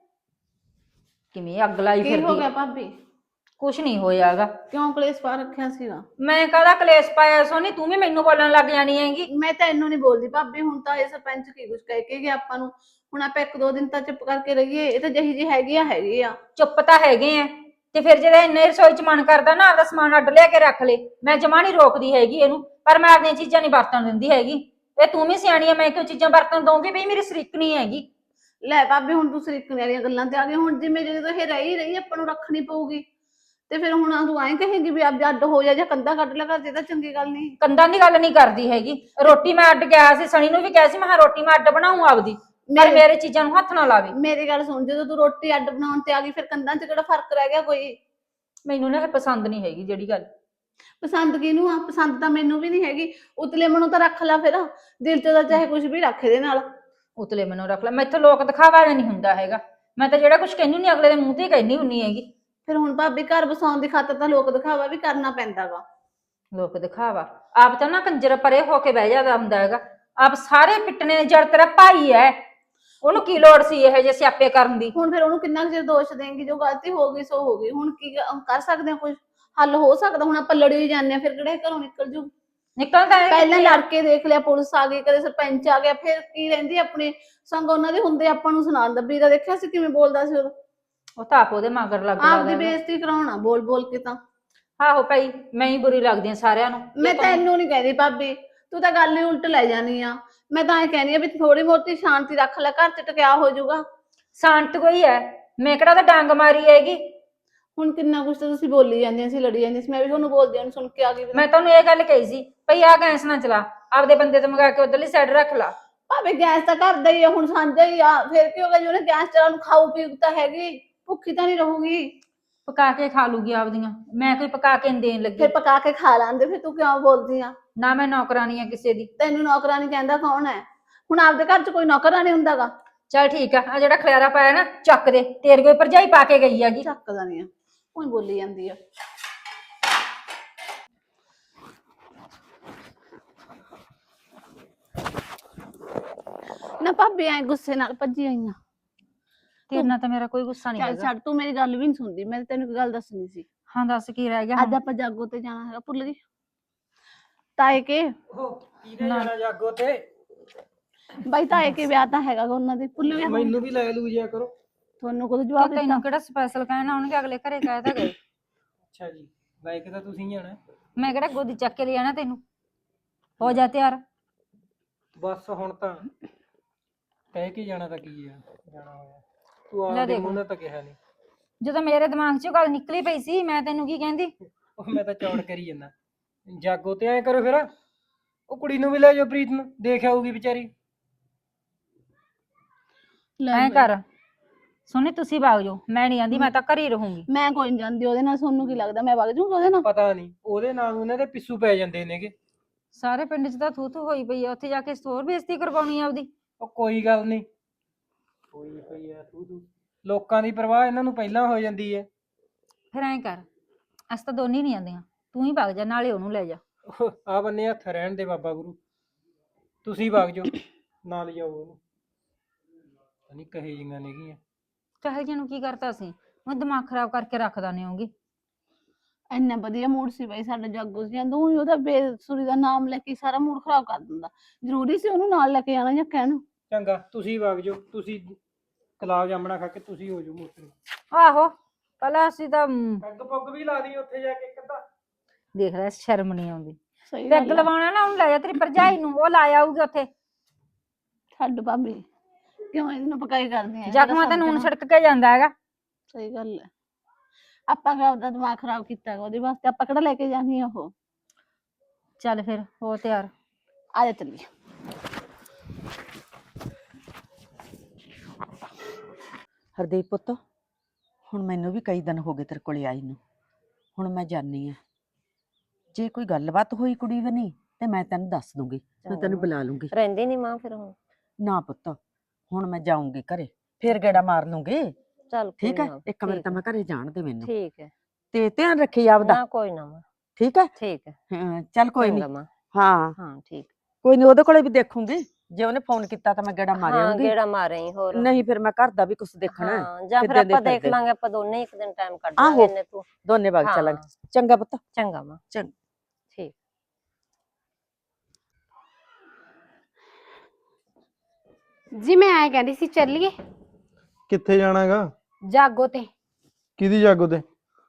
C: ਕਿਵੇਂ ਅੱਗ ਲਾਈ
D: ਕੀ
C: ਫਿਰਦੀ
D: ਹੋ
C: ਹੈ।
D: ਗਿਆ ਭਾਬੀ?
C: ਕੁਛ ਨਹੀਂ ਹੋਇਆਗਾ।
D: ਕਿਉਂ ਕਲੇਸ਼ ਪਾ ਰੱਖਿਆ ਸੀਗਾ?
C: ਮੈਂ ਕਾਹਦਾ ਕਲੇਸ਼ ਪਾਇਆ ਸੋਨੀ? ਤੂੰ ਵੀ ਮੈਨੂੰ ਬੋਲਣ ਲੱਗ ਜਾਣੀ ਹੈਗੀ।
D: ਮੈਂ ਤਾਂ ਇਹਨੂੰ ਨਹੀਂ ਬੋਲਦੀ ਭਾਬੀ, ਹੁਣ ਤਾਂ ਇਹ ਸਰਪੰਚ ਕੀ ਕੁਛ ਕਹਿ ਕੇ ਗਿਆ ਆਪਾਂ ਨੂੰ। ਹੁਣ ਆਪਾਂ ਇੱਕ ਦੋ ਦਿਨ ਤਾਂ ਚੁੱਪ ਕਰਕੇ ਰਹੀਏ। ਇਹ ਤਾਂ ਜਿਹੀ ਜੀ ਹੈਗੀ ਆ ਹੈਗੀ ਆ।
C: ਚੁੱਪ ਤਾਂ ਹੈਗੇ ਆ, ਤੇ ਫਿਰ ਜਿਹੜਾ ਇੰਨੇ ਰਸੋਈ 'ਚ ਮਨ ਕਰਦਾ ਨਾ ਆਪਦਾ ਸਮਾਨ ਅੱਡ ਲਿਆ ਕੇ ਰੱਖ ਲੈ। ਮੈਂ ਜਮਾ ਨਹੀਂ ਰੋਕਦੀ ਹੈਗੀ ਇਹਨੂੰ, ਪਰ ਮੈਂ ਆਪਣੀਆਂ ਚੀਜ਼ਾਂ ਨਹੀਂ ਵਰਤਣ ਦਿੰਦੀ ਹੈਗੀ। ਇਹ ਤੂੰ ਵੀ ਸਿਆਣੀ ਆ, ਮੈਂ ਕਿਉਂ ਚੀਜ਼ਾਂ ਵਰਤਣ ਦਊਂਗੀ? ਬਈ ਮੇਰੀ ਸਰੀਕ ਨਹੀਂ ਹੈਗੀ।
D: ਲੈ ਭਾਬੀ ਹੁਣ ਤੂੰ ਸਰੀਕਣੇ ਵਾਲੀਆਂ ਗੱਲਾਂ ਤੇ ਆ ਗਈ। ਹੁਣ ਜਿਵੇਂ ਜਦੋਂ ਇਹ ਰਹੀ ਰਹੀ ਆਪਾਂ ਨੂੰ ਰੱਖਣੀ ਪਊਗੀ, ਤੇ ਫਿਰ ਹੁਣ ਤੂੰ ਐਂ ਕਹੇਂਗੀ ਵੀ ਆਪ ਅੱਡ ਹੋ ਜਾ ਜਾਂ ਕੰਧਾ ਕੱਢ ਲੈ ਘਰ ਦੇ, ਤਾਂ ਚੰਗੀ ਗੱਲ ਨਹੀਂ।
C: ਕੰਧਾਂ ਦੀ ਗੱਲ ਨਹੀਂ ਕਰਦੀ ਹੈਗੀ। ਰੋਟੀ ਮੈਂ ਅੱਡ ਗਿਆ ਸੀ, ਸਣੀ ਨੂੰ ਵੀ ਕਿਹਾ ਸੀ ਮੈਂ ਕਿਹਾ ਰੋਟੀ ਮੈਂ ਅੱਡ ਬਣਾਉਂ ਆਪਦੀ, ਪਰ
D: ਮੇਰੇ-
C: ਮੇਰੇ ਚੀਜ਼ਾਂ ਨੂੰ ਹੱਥ ਨਾ ਲਾਵੇ।
D: ਮੇਰੀ ਗੱਲ ਸੁਣ, ਜਦੋਂ ਤੂੰ ਰੋਟੀ ਅੱਡ ਬਣਾਉਣ ਤੇ ਆ ਗਈ ਫਿਰ ਕੰਧਾਂ 'ਚ ਕਿਹੜਾ ਫਰਕ ਰਹਿ ਗਿਆ ਕੋਈ?
C: ਮੈਨੂੰ ਨਾ ਇਹ ਪਸੰਦ ਨਹੀਂ ਹੈਗੀ ਜਿਹੜੀ ਗੱਲ।
D: ਪਸੰਦ ਕਿਹਨੂੰ ਆ? ਪਸੰਦ ਤਾਂ ਮੈਨੂੰ ਵੀ ਨਹੀਂ ਹੈਗੀ। ਉਤਲੇ ਮਨੋਂ ਤਾਂ ਰੱਖ ਲੈ ਫਿਰ, ਦਿਲ 'ਚ ਤਾਂ ਚਾਹੇ ਕੁਝ ਵੀ ਰੱਖ ਇਹਦੇ ਨਾਲ।
C: ਉਤਲੇ ਮੈਨੂੰ ਰੱਖ ਲੈ। ਮੈਥੋਂ ਲੋਕ ਦਿਖਾਵਾ ਨਹੀਂ ਹੁੰਦਾ ਹੈਗਾ। ਮੈਂ ਤਾਂ ਜਿਹੜਾ ਕੁਝ ਕਹਿੰਦੀ ਨਹੀਂ ਅਗਲੇ ਦੇ ਮੂੰਹ ਤੇ ਹੀ ਕਹਿੰਦੀ ਹੁੰਨੀ ਹੈਗੀ।
D: ਫਿਰ ਹੁਣ ਭਾਬੀ ਘਰ ਵਸਾਉਣ ਦੀ ਖਾਤਰ ਤਾਂ ਲੋਕ ਦਿਖਾਵਾ ਵੀ ਕਰਨਾ ਪੈਂਦਾ ਗਾ।
C: ਲੋਕ ਦਿਖਾਵਾ ਆਪ ਤਾਂ ਨਾ ਕੰਜਰ ਪਰੇ ਹੋ ਕੇ ਬਹਿ ਜਾਂਦਾ ਹੁੰਦਾ ਹੈਗਾ। ਆਪ ਸਾਰੇ ਪਿੱਟਣੇ ਨੇ, ਜੜ ਤੇਰਾ ਭਾਈ ਹੈ, ਉਹਨੂੰ ਕੀ ਲੋੜ ਸੀ ਇਹ ਜਿਹੇ ਸਿਆਪੇ ਕਰਨ ਦੀ?
D: ਹੁਣ ਫਿਰ ਉਹਨੂੰ ਕਿੰਨਾ ਕੁ ਚਿਰ ਦੋਸ਼ ਦੇਂਗੀ? ਜੋ ਗਲਤੀ ਹੋ ਗਈ ਸੋ ਹੋ ਗਈ। ਹੁਣ ਕੀ ਕ- ਕਰ ਸਕਦੇ ਆ? ਕੁਝ ਹੱਲ ਹੋ ਸਕਦਾ? ਹੁਣ ਆਪਾਂ ਲੜੀ ਜਾਂਦੇ ਆ, ਫਿਰ ਕਿਹੜੇ ਘਰੋਂ ਨਿਕਲ ਜੂ?
C: ਨਿਕਲਦਾ ਹੈ
D: ਪਹਿਲਾਂ ਲੜ ਕੇ ਦੇਖ ਲਿਆ, ਪੁਲਿਸ ਆ ਗਈ, ਕਦੇ ਸਰਪੰਚ ਆ ਗਿਆ, ਫਿਰ ਕੀ ਰਹਿੰਦੀ ਆਪਣੀ ਸੰਗ ਉਹਨਾਂ ਦੇ ਹੁੰਦੇ ਆਪਾਂ ਨੂੰ ਸੁਣਾਉਣ ਦਾ। ਵੀਰਾ ਦੇਖਿਆ ਸੀ ਕਿਵੇਂ ਬੋਲਦਾ ਸੀ ਉਦੋਂ?
C: ਉਹ ਤਾਂ ਆਪ ਉਹਦੇ ਮਗਰ ਲੱਗ
D: ਆਪਦੀ
C: ਲੱਗਦਾ।
D: ਬੇਇੱਜ਼ਤੀ ਕਰਾਉਣਾ ਬੋਲ ਬੋਲ ਕੇ ਤਾਂ।
C: ਆਹੋ ਭਾਈ, ਮੈਂ ਹੀ ਬੁਰੀ ਲੱਗਦੀ ਹਾਂ ਸਾਰਿਆਂ ਨੂੰ।
D: ਮੈਂ ਤੈਨੂੰ ਨਹੀਂ ਕਹਿੰਦੀ ਭਾਬੀ, ਤੂੰ ਤਾਂ ਗੱਲ ਹੀ ਉਲਟ ਲੈ ਜਾਨੀ ਆ। ਮੈਂ ਤਾਂ ਇਹ ਕਹਿੰਦੀ ਆ ਵੀ ਥੋੜੀ ਬਹੁਤੀ ਸ਼ਾਂਤੀ ਰੱਖ ਲੈ, ਘਰ 'ਚ ਟਕਿਆ ਹੋ ਜਾਊਗਾ।
C: ਸ਼ਾਂਤ ਕੋਈ ਹੈ? ਮੈਂ ਕਿਹੜਾ ਤਾਂ ਡਾਂਗ ਮਾਰੀ ਹੈਗੀ।
D: ਹੁਣ ਕਿੰਨਾ ਕੁਛ ਤਾਂ ਤੁਸੀਂ ਬੋਲੀ ਜਾਂਦੀਆਂ ਸੀ, ਲੜੀ ਜਾਂਦੀਆਂ ਸੀ, ਮੈਂ ਵੀ ਤੁਹਾਨੂੰ ਬੋਲਦੀ ਹਾਂ ਸੁਣ ਕੇ ਆ ਗਈ।
C: ਮੈਂ ਤੁਹਾਨੂੰ ਇਹ ਗੱਲ ਕਹੀ ਸੀ ਭਈ ਆਹ ਗੈਸ ਨਾ ਚਲਾ, ਆਪਦੇ ਬੰਦੇ ਤੋਂ ਮੰਗਾ ਕੇ ਉਧਰਲੀ ਸਾਈਡ ਰੱਖ ਲਾ।
D: ਭਾਵੇਂ ਗੈਸ ਤਾਂ ਘਰ ਦਾ ਹੀ ਆ, ਹੁਣ ਸਾਂਝਾ ਹੀ ਆ, ਫਿਰ ਕੀ ਹੋ ਗਿਆ? ਜੇ ਉਹਨੇ ਗੈਸ ਚਲਾਉਣ ਖਾਊ ਪੀਊ ਤਾਂ ਹੈਗੀ, ਭੁੱਖੀ ਤਾਂ ਨਹੀਂ ਰਹੂਗੀ।
C: ਪਕਾ ਕੇ ਖਾ ਲੂਗੀ ਆਪਦੀਆਂ, ਮੈਂ ਕੋਈ ਪਕਾ ਕੇ ਨੀ ਦੇਣ ਲੱਗੀ।
D: ਫਿਰ ਪਕਾ ਕੇ ਖਾ ਲਾਂਦੇ, ਫਿਰ ਤੂੰ ਕਿਉਂ ਬੋਲਦੀ ਆ?
C: ਨਾ ਮੈਂ ਨੌਕਰਾਨੀ ਆ ਕਿਸੇ ਦੀ।
D: ਤੈਨੂੰ ਨੌਕਰਾਨੀ ਕਹਿੰਦਾ ਕੌਣ ਹੈ? ਹੁਣ ਆਪਦੇ ਘਰ 'ਚ ਕੋਈ ਨੌਕਰਾਨੀ ਹੁੰਦਾਗਾ?
C: ਚੱਲ ਠੀਕ ਆ, ਆ ਜਿਹੜਾ ਖਲਿਆਰਾ ਪਾਇਆ ਨਾ ਚੱਕ ਦੇ, ਤੇਰੇ ਕੋਈ ਭਰਜਾਈ ਪਾ ਕੇ ਗਈ ਹੈਗੀ।
D: ਚੱਕਦਾ ਨਹੀਂ ਆ, ਉਹੀ ਬੋਲੀ ਜਾਂਦੀ ਆ। ਨਾ ਭਾਬੀ ਐ ਗੁੱਸੇ ਨਾਲ ਭੱਜੀ ਆਈਆਂ।
C: ਤੇਰੇ ਨਾਲ ਤਾਂ ਮੇਰਾ ਕੋਈ ਗੁੱਸਾ ਨਹੀਂ
D: ਚੱਲ
C: ਹੈਗਾ।
D: ਛੱਡ, ਤੂੰ ਮੇਰੀ ਗੱਲ ਵੀ ਨਹੀਂ ਸੁਣਦੀ। ਮੈਂ ਤੈਨੂੰ ਇੱਕ ਗੱਲ ਦੱਸਣੀ ਸੀ।
C: ਹਾਂ ਦੱਸ ਕੀ ਰਹਿ ਗਿਆ
D: ਅੱਜ
C: ਹੁਣ?
D: ਆਪਾਂ ਜਾਗੋ ਤੇ ਜਾਣਾ ਹੈਗਾ, ਭੁੱਲ ਗਈ? ਤਾਏ ਕੇ
A: ਉਹ ਕਿਹਨੇ ਜਾਣਾ ਜਾਗੋ ਤੇ?
D: ਬਾਈ ਤਾਏ ਕੇ ਵਿਆਹ ਤਾਂ ਹੈਗਾ ਗਾ ਉਹਨਾਂ ਦੇ, ਭੁੱਲ ਗਿਆ?
A: ਮੈਨੂੰ ਵੀ ਲੈ ਲੂ ਜਿਆ ਕਰੋ।
D: ਤੁਹਾਨੂੰ ਕਦੋਂ ਜਵਾਬ ਦਿੱਤਾ?
C: ਤੈਨੂੰ ਕਿਹੜਾ ਸਪੈਸ਼ਲ ਕਹਿਣਾ ਉਹਨੇ, ਅਗਲੇ ਘਰੇ ਕਹਿ ਤਾਂ ਗਏ।
A: ਅੱਛਾ ਜੀ, ਬਾਈਕ ਤਾਂ ਤੁਸੀਂ ਜਾਣਾ?
C: ਮੈਂ ਕਿਹੜਾ ਗੋਦੀ ਚੱਕ ਕੇ ਲੈ ਜਾਣਾ ਤੈਨੂੰ? ਹੋ ਜਾ ਤਿਆਰ।
A: ਬਸ ਹੁਣ ਤਾਂ ਕਹਿ ਕੇ ਜਾਣਾ ਤਾਂ ਕੀ ਆ, ਜਾਣਾ ਹੋਇਆ। ਤੂੰ
C: ਲੈ
A: ਆਪਦੇ
C: ਦੇਖ।
A: ਮੂੰਹ ਨਾਲ ਤਾਂ ਕਿਹਾ ਨਹੀਂ।
C: ਜਦੋਂ ਮੇਰੇ ਦਿਮਾਗ 'ਚੋਂ ਗੱਲ ਨਿਕਲੀ ਪਈ ਸੀ, ਮੈਂ ਤੈਨੂੰ ਕੀ ਕਹਿੰਦੀ?
A: ਉਹ ਮੈਂ ਤਾਂ ਚੌੜ ਕਰੀ ਜਾਂਦਾ। ਜਾਗੋ ਤੇ ਐਂ ਕਰੋ ਫਿਰ, ਉਹ ਕੁੜੀ ਨੂੰ ਵੀ ਲੈ ਜਾਓ, ਪ੍ਰੀਤ ਨੂੰ, ਦੇਖ ਆਊਗੀ ਵਿਚਾਰੀ।
D: ਲੈ
C: ਐਂ
D: ਬਾਈ,
C: ਕਰ ਸੋਨੀ, ਤੁਸੀਂ ਵਗ ਜਾਓ, ਮੈਂ ਨਹੀਂ ਆਂਦੀ, ਮੈਂ ਤਾਂ ਘਰੇ ਹੀ ਰਹੂੰਗੀ।
D: ਮੈਂ ਕੋਈ ਨੀ ਜਾਂਦੀ ਉਹਦੇ ਨਾਲ। ਤੁਹਾਨੂੰ ਕੀ ਲੱਗਦਾ ਮੈਂ ਵਗ ਜਾਊਂਗੀ ਉਹਦੇ ਨਾਲ?
A: ਪਤਾ ਨਹੀਂ ਉਹਦੇ ਨਾਲ ਉਹਨਾਂ ਦੇ ਪਿੱਛੂ ਪੈ ਜਾਂਦੇ ਨੇਗੇ।
C: ਸਾਰੇ ਪਿੰਡ 'ਚ ਤਾਂ ਥੂ ਥੂ ਹੋਈ ਪਈ ਆ, ਉੱਥੇ ਜਾ ਕੇ ਹੋਰ ਬੇਇੱਜ਼ਤੀ ਕਰਵਾਉਣੀ ਆ ਆਪਦੀ।
A: ਉਹ ਕੋਈ ਗੱਲ ਨਹੀਂ, ਹੋਈ ਪਈ ਆ ਤੂੰ ਤੂੰ ਲੋਕਾਂ ਦੀ ਪਰਵਾਹ ਇਹਨਾਂ ਨੂੰ ਪਹਿਲਾਂ ਹੋ ਜਾਂਦੀ ਹੈ।
C: ਫਿਰ ਐਂ ਕਰ, ਅਸੀਂ ਤਾਂ ਦੋਨੇ ਨਹੀਂ ਆਂਦੀਆਂ, ਤੂੰ ਹੀ ਵਗ ਜਾ, ਨਾਲੇ ਉਹਨੂੰ ਲੈ ਜਾ।
A: ਆ ਬੰਨੇ ਹੱਥ ਰਹਿਣ ਦੇ ਬਾਬਾ ਗੁਰੂ, ਤੁਸੀਂ ਵਗ ਜਾਓ, ਨਾਲ ਜਾਓ ਉਹਨੂੰ। ਨਹੀਂ ਕਹੇ ਜਿਹੀਆਂ ਨੇਗੀਆਂ।
C: ਚਾਹੇ ਜਿਹਨੂੰ ਕੀ ਕਰਤਾ ਸੀ, ਉਹ ਦਿਮਾਗ ਖਰਾਬ ਕਰਕੇ ਰੱਖਦਾ ਨਹੀਂ ਹੋਊਗੀ।
D: ਇੰਨਾ ਵਧੀਆ ਮੂਡ ਸੀ ਬਾਈ ਸਾਡਾ ਜਾਗੋ ਸੀ, ਜਾਂਦਾ ਉਹੀ ਉਹਦਾ ਬੇਸੁਰੀ ਦਾ ਨਾਮ ਲੈ ਕੇ ਸਾਰਾ ਮੂਡ ਖਰਾਬ ਕਰ ਦਿੰਦਾ। ਜ਼ਰੂਰੀ ਸੀ ਉਹਨੂੰ ਨਾਲ ਲੈ ਕੇ ਜਾਣਾ ਜਾਂ ਕਹਿਣਾ?
A: ਚੰਗਾ ਤੁਸੀਂ ਵਗ ਜਾਓ, ਤੁਸੀਂ ਗੁਲਾਬ ਜਾਮਣਾ ਖਾ ਕੇ ਤੁਸੀਂ ਹੋ ਜਾਓ ਮੋਟਰ।
C: ਆਹੋ ਪਹਿਲਾਂ ਅਸੀਂ ਤਾਂ ਮ,
A: ਪੈਗ ਪੁੱਗ ਵੀ ਲਾ ਦੀ ਉੱਥੇ ਜਾ ਕੇ ਇੱਕ ਅੱਧਾ।
C: ਦੇਖ ਲੈ ਸ਼ਰਮ ਨਹੀਂ ਆਉਂਦੀ।
D: ਸਹੀ
C: ਪੈਗ
D: ਗੱਲ ਆ।
C: ਲਵਾਉਣਾ ਨਾ ਉਹਨੂੰ ਲੈ ਜਾ, ਤੇਰੀ ਭਰਜਾਈ ਨੂੰ, ਉਹ ਲਾ ਆਊਗੀ ਉੱਥੇ।
D: ਛੱਡ ਭਾਬੀ, ਕਿਉਂ ਇਹਨੂੰ ਪਕਾਈ ਕਰਦੀ ਆ?
C: ਜ਼ਖਮਾਂ ਤੇ ਨੂਨ ਛਿੜਕ ਕੇ ਜਾਂਦਾ ਹੈਗਾ।
D: ਸਹੀ ਗੱਲ ਹੈ। ਆਪਾਂ ਕਿਹੜਾ ਆਪਦਾ ਦਿਮਾਗ ਖਰਾਬ ਕੀਤਾ ਗਾ ਉਹਦੇ ਵਾਸਤੇ? ਆਪਾਂ ਕਿਹੜਾ ਲੈ ਕੇ ਜਾਣੀ ਆ ਉਹ?
C: ਚੱਲ ਫਿਰ ਹੋ ਤਿਆਰ।
D: ਆ ਜਾ ਚੱਲੀਏ।
E: ਹਰਦੀਪ ਪੁੱਤ, ਹੁਣ ਮੈਨੂੰ ਵੀ ਕਈ ਦਿਨ ਹੋ ਗਏ ਤੇਰੇ ਕੋਲੇ ਆਈ ਨੂੰ। ਹੁਣ ਮੈਂ ਜਾਣੀ ਆ, ਜੇ ਕੋਈ ਗੱਲਬਾਤ ਹੋਈ ਕੁੜੀ ਬਣੀ ਤੇ ਮੈਂ ਤੈਨੂੰ ਦੱਸ ਦੂੰਗੀ, ਮੈਂ ਤੈਨੂੰ ਬੁਲਾ ਲੂੰਗੀ।
B: ਰਹਿੰਦੀ ਨਹੀਂ ਮਾਂ ਫਿਰ ਹੁਣ?
E: ਨਾ ਪੁੱਤ, ਹੁਣ ਮੈਂ ਜਾਊਂਗੀ ਘਰੇ, ਫੇਰ ਗੇੜਾ ਮਾਰ ਲੂੰਗੀ।
B: ਚੱਲ
E: ਠੀਕ
B: ਕੋਈ
E: ਹੈ,
B: ਨਾ,
E: ਇੱਕ ਵਾਰ
B: ਠੀਕ
E: ਤਾਂ
B: ਹੈ,
E: ਮੈਂ ਘਰੇ ਜਾਣ ਦੇ ਮੈਨੂੰ,
B: ਠੀਕ ਹੈ।
E: ਤੇ ਧਿਆਨ ਰੱਖੀ ਆਪਦਾ।
B: ਨਾ ਕੋਈ ਨਾ ਮਾਂ,
E: ਠੀਕ ਹੈ,
B: ਠੀਕ ਹੈ।
E: ਹਾਂ, ਚੱਲ ਕੋਈ
B: ਚੰਗਾ
E: ਨਹੀਂ।
B: ਮਾਂ,
E: ਹਾਂ
B: ਹਾਂ ਠੀਕ।
E: ਕੋਈ ਨਹੀਂ, ਉਹਦੇ ਕੋਲੇ ਵੀ ਦੇਖੂੰਗੀ, ਜੇ ਉਹਨੇ ਫੋਨ ਕੀਤਾ ਤਾਂ ਮੈਂ ਗੇੜਾ ਮਾਰ
B: ਹਾਂ
E: ਆਉਂਗੀ।
B: ਗੇੜਾ ਮਾਰੇ ਹੋਰ।
E: ਨਹੀਂ ਫਿਰ ਮੈਂ ਘਰ ਦਾ ਵੀ ਕੁਝ ਦੇਖਣਾ ਹੈ।
B: ਹਾਂ ਜਾਂ ਫਿਰ
E: ਕਿੱਦਾਂ ਦੇ
B: ਆਪਾਂ ਦੇਖ
E: ਫਿਰਦੇ।
B: ਲਾਂਗੇ, ਆਪਾਂ ਦੋਨੇ ਇੱਕ ਦਿਨ ਟਾਈਮ ਕੱਢ
E: ਆਹੋ।
B: ਲਾਂਗੇ ਇੰਨੇ ਤੂੰ।
E: ਦੋਨੇ ਵਗ
B: ਹਾਂ।
E: ਚੱਲਾਂਗੇ। ਚੰਗਾ ਪੁੱਤ।
B: ਚੰਗਾ ਮਾਂ,
E: ਚੰਗਾ।
B: ਠੀਕ। ਜੀ ਮੈਂ ਆਏ ਕਹਿੰਦੀ ਸੀ ਚੱਲੀਏ
A: ਕਿੱਥੇ ਜਾਣਾਗਾ?
B: ਜਾਗੋ ਤੇ।
A: ਕਿਹਦੀ ਜਾਗੋ ਤੇ?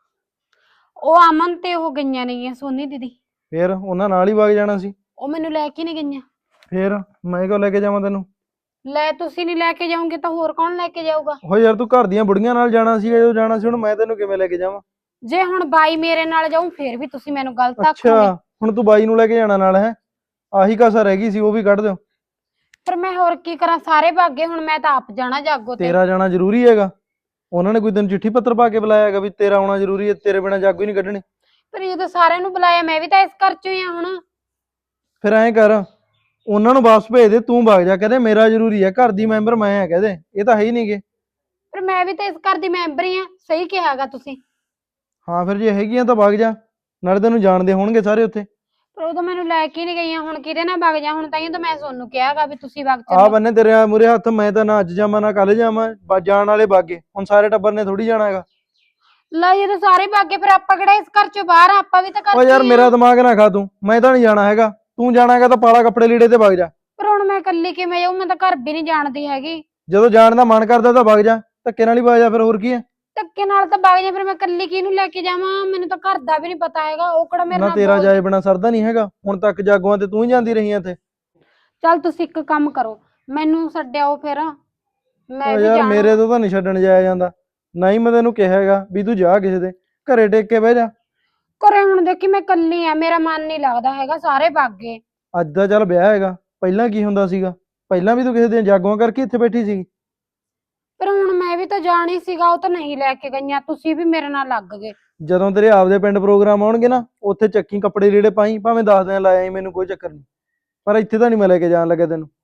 B: ਉਹ ਅਮਨ ਤੇ ਉਹ ਗਈਆਂ ਨੇਗੀਆਂ, ਸੋਨੀ ਦੀਦੀ।
A: ਫੇਰ ਉਹਨਾਂ ਨਾਲ ਹੀ ਵਗ ਜਾਣਾ ਸੀ।
B: ਉਹ ਮੈਨੂੰ ਲੈ ਕੇ ਨਹੀਂ ਗਈਆਂ।
A: ਫੇਰ ਮੈਂ ਕਿਉਂ ਲੈ ਕੇ ਜਾਵਾਂ ਤੈਨੂੰ?
B: ਲੈ ਤੁਸੀਂ ਨਹੀਂ ਲੈ ਕੇ ਜਾਓਗੇ ਤਾਂ ਹੋਰ ਕੌਣ ਲੈ ਕੇ ਜਾਊਗਾ?
A: ਹੋ ਯਾਰ, ਤੂੰ ਘਰ ਦੀਆਂ ਬੁੜੀਆਂ ਨਾਲ ਜਾਣਾ ਸੀ, ਜੋ ਜਾਣਾ ਸੀ, ਹੁਣ ਮੈਂ ਤੈਨੂੰ ਕਿਵੇਂ ਲੈ ਕੇ ਜਾਵਾਂ?
B: ਜੇ ਹੁਣ ਬਾਈ ਮੇਰੇ ਨਾਲ ਜਾਊ ਫੇਰ ਵੀ ਤੁਸੀਂ ਮੈਨੂੰ ਗਲਤ ਆਖੋਗੇ।
A: ਅੱਛਾ, ਹੁਣ ਤੂੰ ਬਾਈ ਨੂੰ ਲੈ ਕੇ ਜਾਣਾ ਨਾਲ ਹੈ? ਆਹੀ ਕਸਰ ਰਹਿ ਗਈ ਸੀ, ਉਹ ਵੀ ਕੱਢ ਦਿਓ।
B: ਪਰ ਮੈਂ ਹੋਰ ਕੀ ਕਰਾਂ, ਸਾਰੇ ਭਾਗੇ, ਹੁਣ ਮੈਂ ਤਾਂ ਆਪ ਜਾਣਾ ਜਾਗੋ ਤੇ।
A: ਤੇਰਾ ਜਾਣਾ ਜ਼ਰੂਰੀ ਹੈਗਾ? ਉਹਨਾਂ ਨੇ ਕੋਈ ਤੈਨੂੰ ਚਿੱਠੀ ਪੱਤਰ ਪਾ ਕੇ ਬੁਲਾਇਆ ਹੈਗਾ ਵੀ ਤੇਰਾ ਆਉਣਾ ਜ਼ਰੂਰੀ ਹੈ, ਤੇਰੇ ਬਿਨਾਂ ਜਾਗੋ ਹੀ ਨਹੀਂ ਕੱਢਣੀ?
B: ਪਰ ਜਦੋਂ ਸਾਰਿਆਂ ਨੂੰ ਬੁਲਾਇਆ, ਮੈਂ ਵੀ ਤਾਂ ਇਸ ਘਰ ਚੋਂ ਹੀ ਆ ਹੁਣ।
A: ਫਿਰ ਐਂ ਕਰ, ਉਹਨਾਂ ਨੂੰ ਵਾਪਸ ਭੇਜ ਦੇ, ਤੂੰ ਵਗ ਜਾ। ਕਹਿੰਦੇ ਮੇਰਾ ਜ਼ਰੂਰੀ ਹੈ, ਘਰ ਦੀ ਮੈਂਬਰ ਮੈਂ ਆ, ਕਹਦੇ ਇਹ ਤਾਂ ਹੈ ਹੀ ਨਹੀਂਗੇ।
B: ਪਰ ਮੈਂ ਵੀ ਤਾਂ ਇਸ ਘਰ ਦੀ ਮੈਂਬਰ ਹੀ ਆ, ਸਹੀ ਕਿਹਾਗਾ ਤੁਸੀਂ।
A: ਹਾਂ ਫਿਰ ਜੇ ਹੈਗੀਆਂ ਤਾਂ ਵਗ ਜਾ, ਨਾਲੇ ਤੈਨੂੰ ਜਾਣਦੇ ਹੋਣਗੇ ਸਾਰੇ ਉੱਥੇ।
B: ਪਰ ਉਦੋਂ ਮੈਨੂੰ ਲੈ ਕੇ ਨਹੀਂ ਗਈਆਂ, ਹੁਣ ਕਿਹਦੇ ਨਾਲ ਵਗ ਜਾ? ਹੁਣ ਤਾਂ ਤਾਂ ਮੈਂ ਤੁਹਾਨੂੰ ਕਿਹਾਗਾ ਵੀ ਤੁਸੀਂ ਵਗ
A: ਆ
B: ਚੱਲੋ।
A: ਬੰਨੇ ਤੇਰੇ ਮੂਰੇ ਹੱਥ, ਮੈਂ ਤਾਂ ਨਾ ਅੱਜ ਜਾਵਾਂ ਨਾ ਕੱਲ ਜਾਵਾਂ, ਬਸ ਜਾਣ ਵਾਲੇ ਬਾਗੇ। ਹੁਣ ਸਾਰੇ ਟੱਬਰ ਨੇ ਥੋੜੀ ਜਾਣਾ ਹੈਗਾ।
B: ਲੈ ਜਦੋਂ ਸਾਰੇ ਭਾਗੇ, ਫਿਰ ਆਪਾਂ ਕਿਹੜਾ ਇਸ ਘਰ ਚੋਂ ਬਾਹਰ ਆ? ਆਪਾਂ ਵੀ ਤਾਂ ਘਰ
A: ਓ ਯਾਰ
B: ਚੋਂ ਹੀ
A: ਮੇਰਾ
B: ਆ।
A: ਦਿਮਾਗ ਨਾ ਖਾ ਤੂੰ, ਮੈਂ ਤਾਂ ਨਹੀਂ ਜਾਣਾ ਹੈਗਾ। ਤੂੰ ਜਾਣਾ ਹੈਗਾ ਤਾਂ ਪਾਲਾ ਕੱਪੜੇ ਲੀੜੇ ਤੇ ਵਗ ਜਾ।
B: ਪਰ ਹੁਣ ਮੈਂ ਇਕੱਲੀ ਕਿਵੇਂ ਜਾਊਂ? ਮੈਂ ਤਾਂ ਘਰ ਵੀ ਨਹੀਂ ਜਾਣਦੀ ਹੈਗੀ।
A: ਜਦੋਂ ਜਾਣ ਦਾ ਮਨ ਕਰਦਾ ਤਾਂ ਵਗ ਜਾ, ਧੱਕੇ ਨਾਲ ਹੀ ਵਗ ਜਾ, ਫਿਰ ਹੋਰ ਕੀ ਹੈ?
B: ਧੱਕੇ ਨਾਲ ਤਾਂ ਵਗ ਜਾ, ਫਿਰ ਮੈਂ ਇਕੱਲੀ ਕਿਹਨੂੰ ਲੈ ਕੇ ਜਾਵਾਂ? ਮੈਨੂੰ ਤਾਂ ਘਰ ਦਾ ਵੀ ਨਹੀਂ ਪਤਾ ਹੈਗਾ, ਉਹ ਕਿਹੜਾ ਮੇਰੇ
A: ਨਾ
B: ਨਾਲ
A: ਤੇਰਾ
B: ਬੋਲਦੇ।
A: ਜਾਏ ਬਿਨਾ ਸਰਦਾ ਨਹੀਂ ਹੈਗਾ। ਹੁਣ ਤੱਕ ਜਾਗੋਆਂ ਤੇ ਤੂੰ ਹੀ ਜਾਂਦੀ ਰਹੀ ਐ ਇੱਥੇ।
B: ਚੱਲ ਤੁਸੀਂ ਇੱਕ ਕੰਮ ਕਰੋ, ਮੈਨੂੰ ਛੱਡਿਆਓ ਫਿਰ, ਮੈਂ
A: ਓ
B: ਵੀ
A: ਯਾਰ
B: ਜਾਣਾ।
A: ਮੇਰੇ ਤੋਂ ਤਾਂ ਨਹੀਂ ਛੱਡਣ ਜਾਇਆ ਜਾਂਦਾ। ਨਾ ਹੀ ਮੈਂ ਤੈਨੂੰ ਕਿਹਾ ਹੈਗਾ ਵੀ ਤੂੰ ਜਾ ਕਿਸੇ ਦੇ ਘਰੇ ਟੇਕ ਕੇ ਬਹਿ ਜਾ।
B: ਘਰੇ ਹੁਣ ਦੇਖੀ ਮੈਂ ਇਕੱਲੀ ਆ, ਮੇਰਾ ਮਨ ਨਹੀਂ ਲੱਗਦਾ ਹੈਗਾ, ਸਾਰੇ ਭਾਗੇ।
A: ਅੱਜ ਦਾ ਚੱਲ ਵਿਆਹ ਹੈਗਾ, ਪਹਿਲਾਂ ਕੀ ਹੁੰਦਾ ਸੀਗਾ? ਪਹਿਲਾਂ ਵੀ ਤੂੰ ਕਿਸੇ ਦੀਆਂ ਜਾਗੋਆਂ ਕਰਕੇ ਇੱਥੇ ਬੈਠੀ ਸੀ।
B: ਪਰ ਹੁਣ ਮੈਂ ਵੀ ਤਾਂ ਜਾਣੀ ਸੀਗਾ, ਉਹ ਤਾਂ ਨਹੀਂ ਲੈ ਕੇ ਗਈਆਂ, ਤੁਸੀਂ ਵੀ ਮੇਰੇ ਨਾਲ ਲੱਗ ਗਏ।
A: ਜਦੋਂ ਤੇਰੇ ਆਪਦੇ ਪਿੰਡ ਪ੍ਰੋਗਰਾਮ ਆਉਣਗੇ ਨਾ, ਉੱਥੇ ਚੱਕੀ ਕੱਪੜੇ ਲੀੜੇ ਪਾਈ, ਭਾਵੇਂ ਦਸ ਦਿਨ ਲਾਇਆ, ਮੈਨੂੰ ਕੋਈ ਚੱਕਰ ਨਹੀਂ। ਪਰ ਇੱਥੇ ਤਾਂ ਨਹੀਂ ਮੈਂ ਲੈ ਕੇ ਜਾਣ ਲੱਗਾ ਤੈਨੂੰ।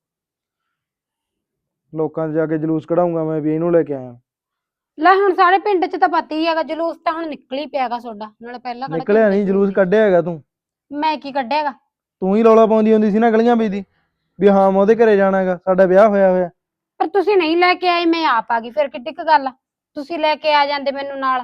A: ਲੋਕਾਂ 'ਚ ਜਾ ਕੇ ਜਲੂਸ ਕਢਾਊਂਗਾ ਮੈਂ ਵੀ ਇਹਨੂੰ ਲੈ ਕੇ ਆਇਆ।
B: ਲੈ ਹੁਣ ਸਾਰੇ ਪਿੰਡ 'ਚ ਤਾਂ ਪਤਾ ਹੀ ਹੈਗਾ, ਜਲੂਸ ਤਾਂ ਹੁਣ ਨਿਕਲ ਹੀ ਪਿਆਗਾ ਤੁਹਾਡਾ, ਨਾਲੇ ਪਹਿਲਾਂ ਕਿਹੜਾ
A: ਨਿਕਲਿਆ
B: ਝੰਡੇ
A: ਨਹੀਂ, ਜਲੂਸ
B: ਝੂਟੇ।
A: ਕੱਢਿਆ ਹੈਗਾ ਤੂੰ।
B: ਮੈਂ ਕੀ ਕੱਢਿਆਗਾ?
A: ਤੂੰ ਹੀ ਰੌਲਾ ਪਾਉਂਦੀ ਹੁੰਦੀ ਸੀ ਨਾ ਗਲੀਆਂ ਵਿੱਚ ਦੀ, ਵੀ ਹਾਂ ਮੈਂ ਉਹਦੇ ਘਰੇ ਜਾਣਾ ਹੈਗਾ, ਸਾਡਾ ਵਿਆਹ ਹੋਇਆ ਹੋਇਆ।
B: ਪਰ ਤੁਸੀਂ ਨਹੀਂ ਲੈ ਕੇ ਆਏ, ਮੈਂ ਆਪ ਆ ਗਈ, ਫਿਰ ਕਿੱਡੀ ਕੁ ਗੱਲ ਆ? ਤੁਸੀਂ ਲੈ ਕੇ ਆ ਜਾਂਦੇ ਮੈਨੂੰ ਨਾਲ।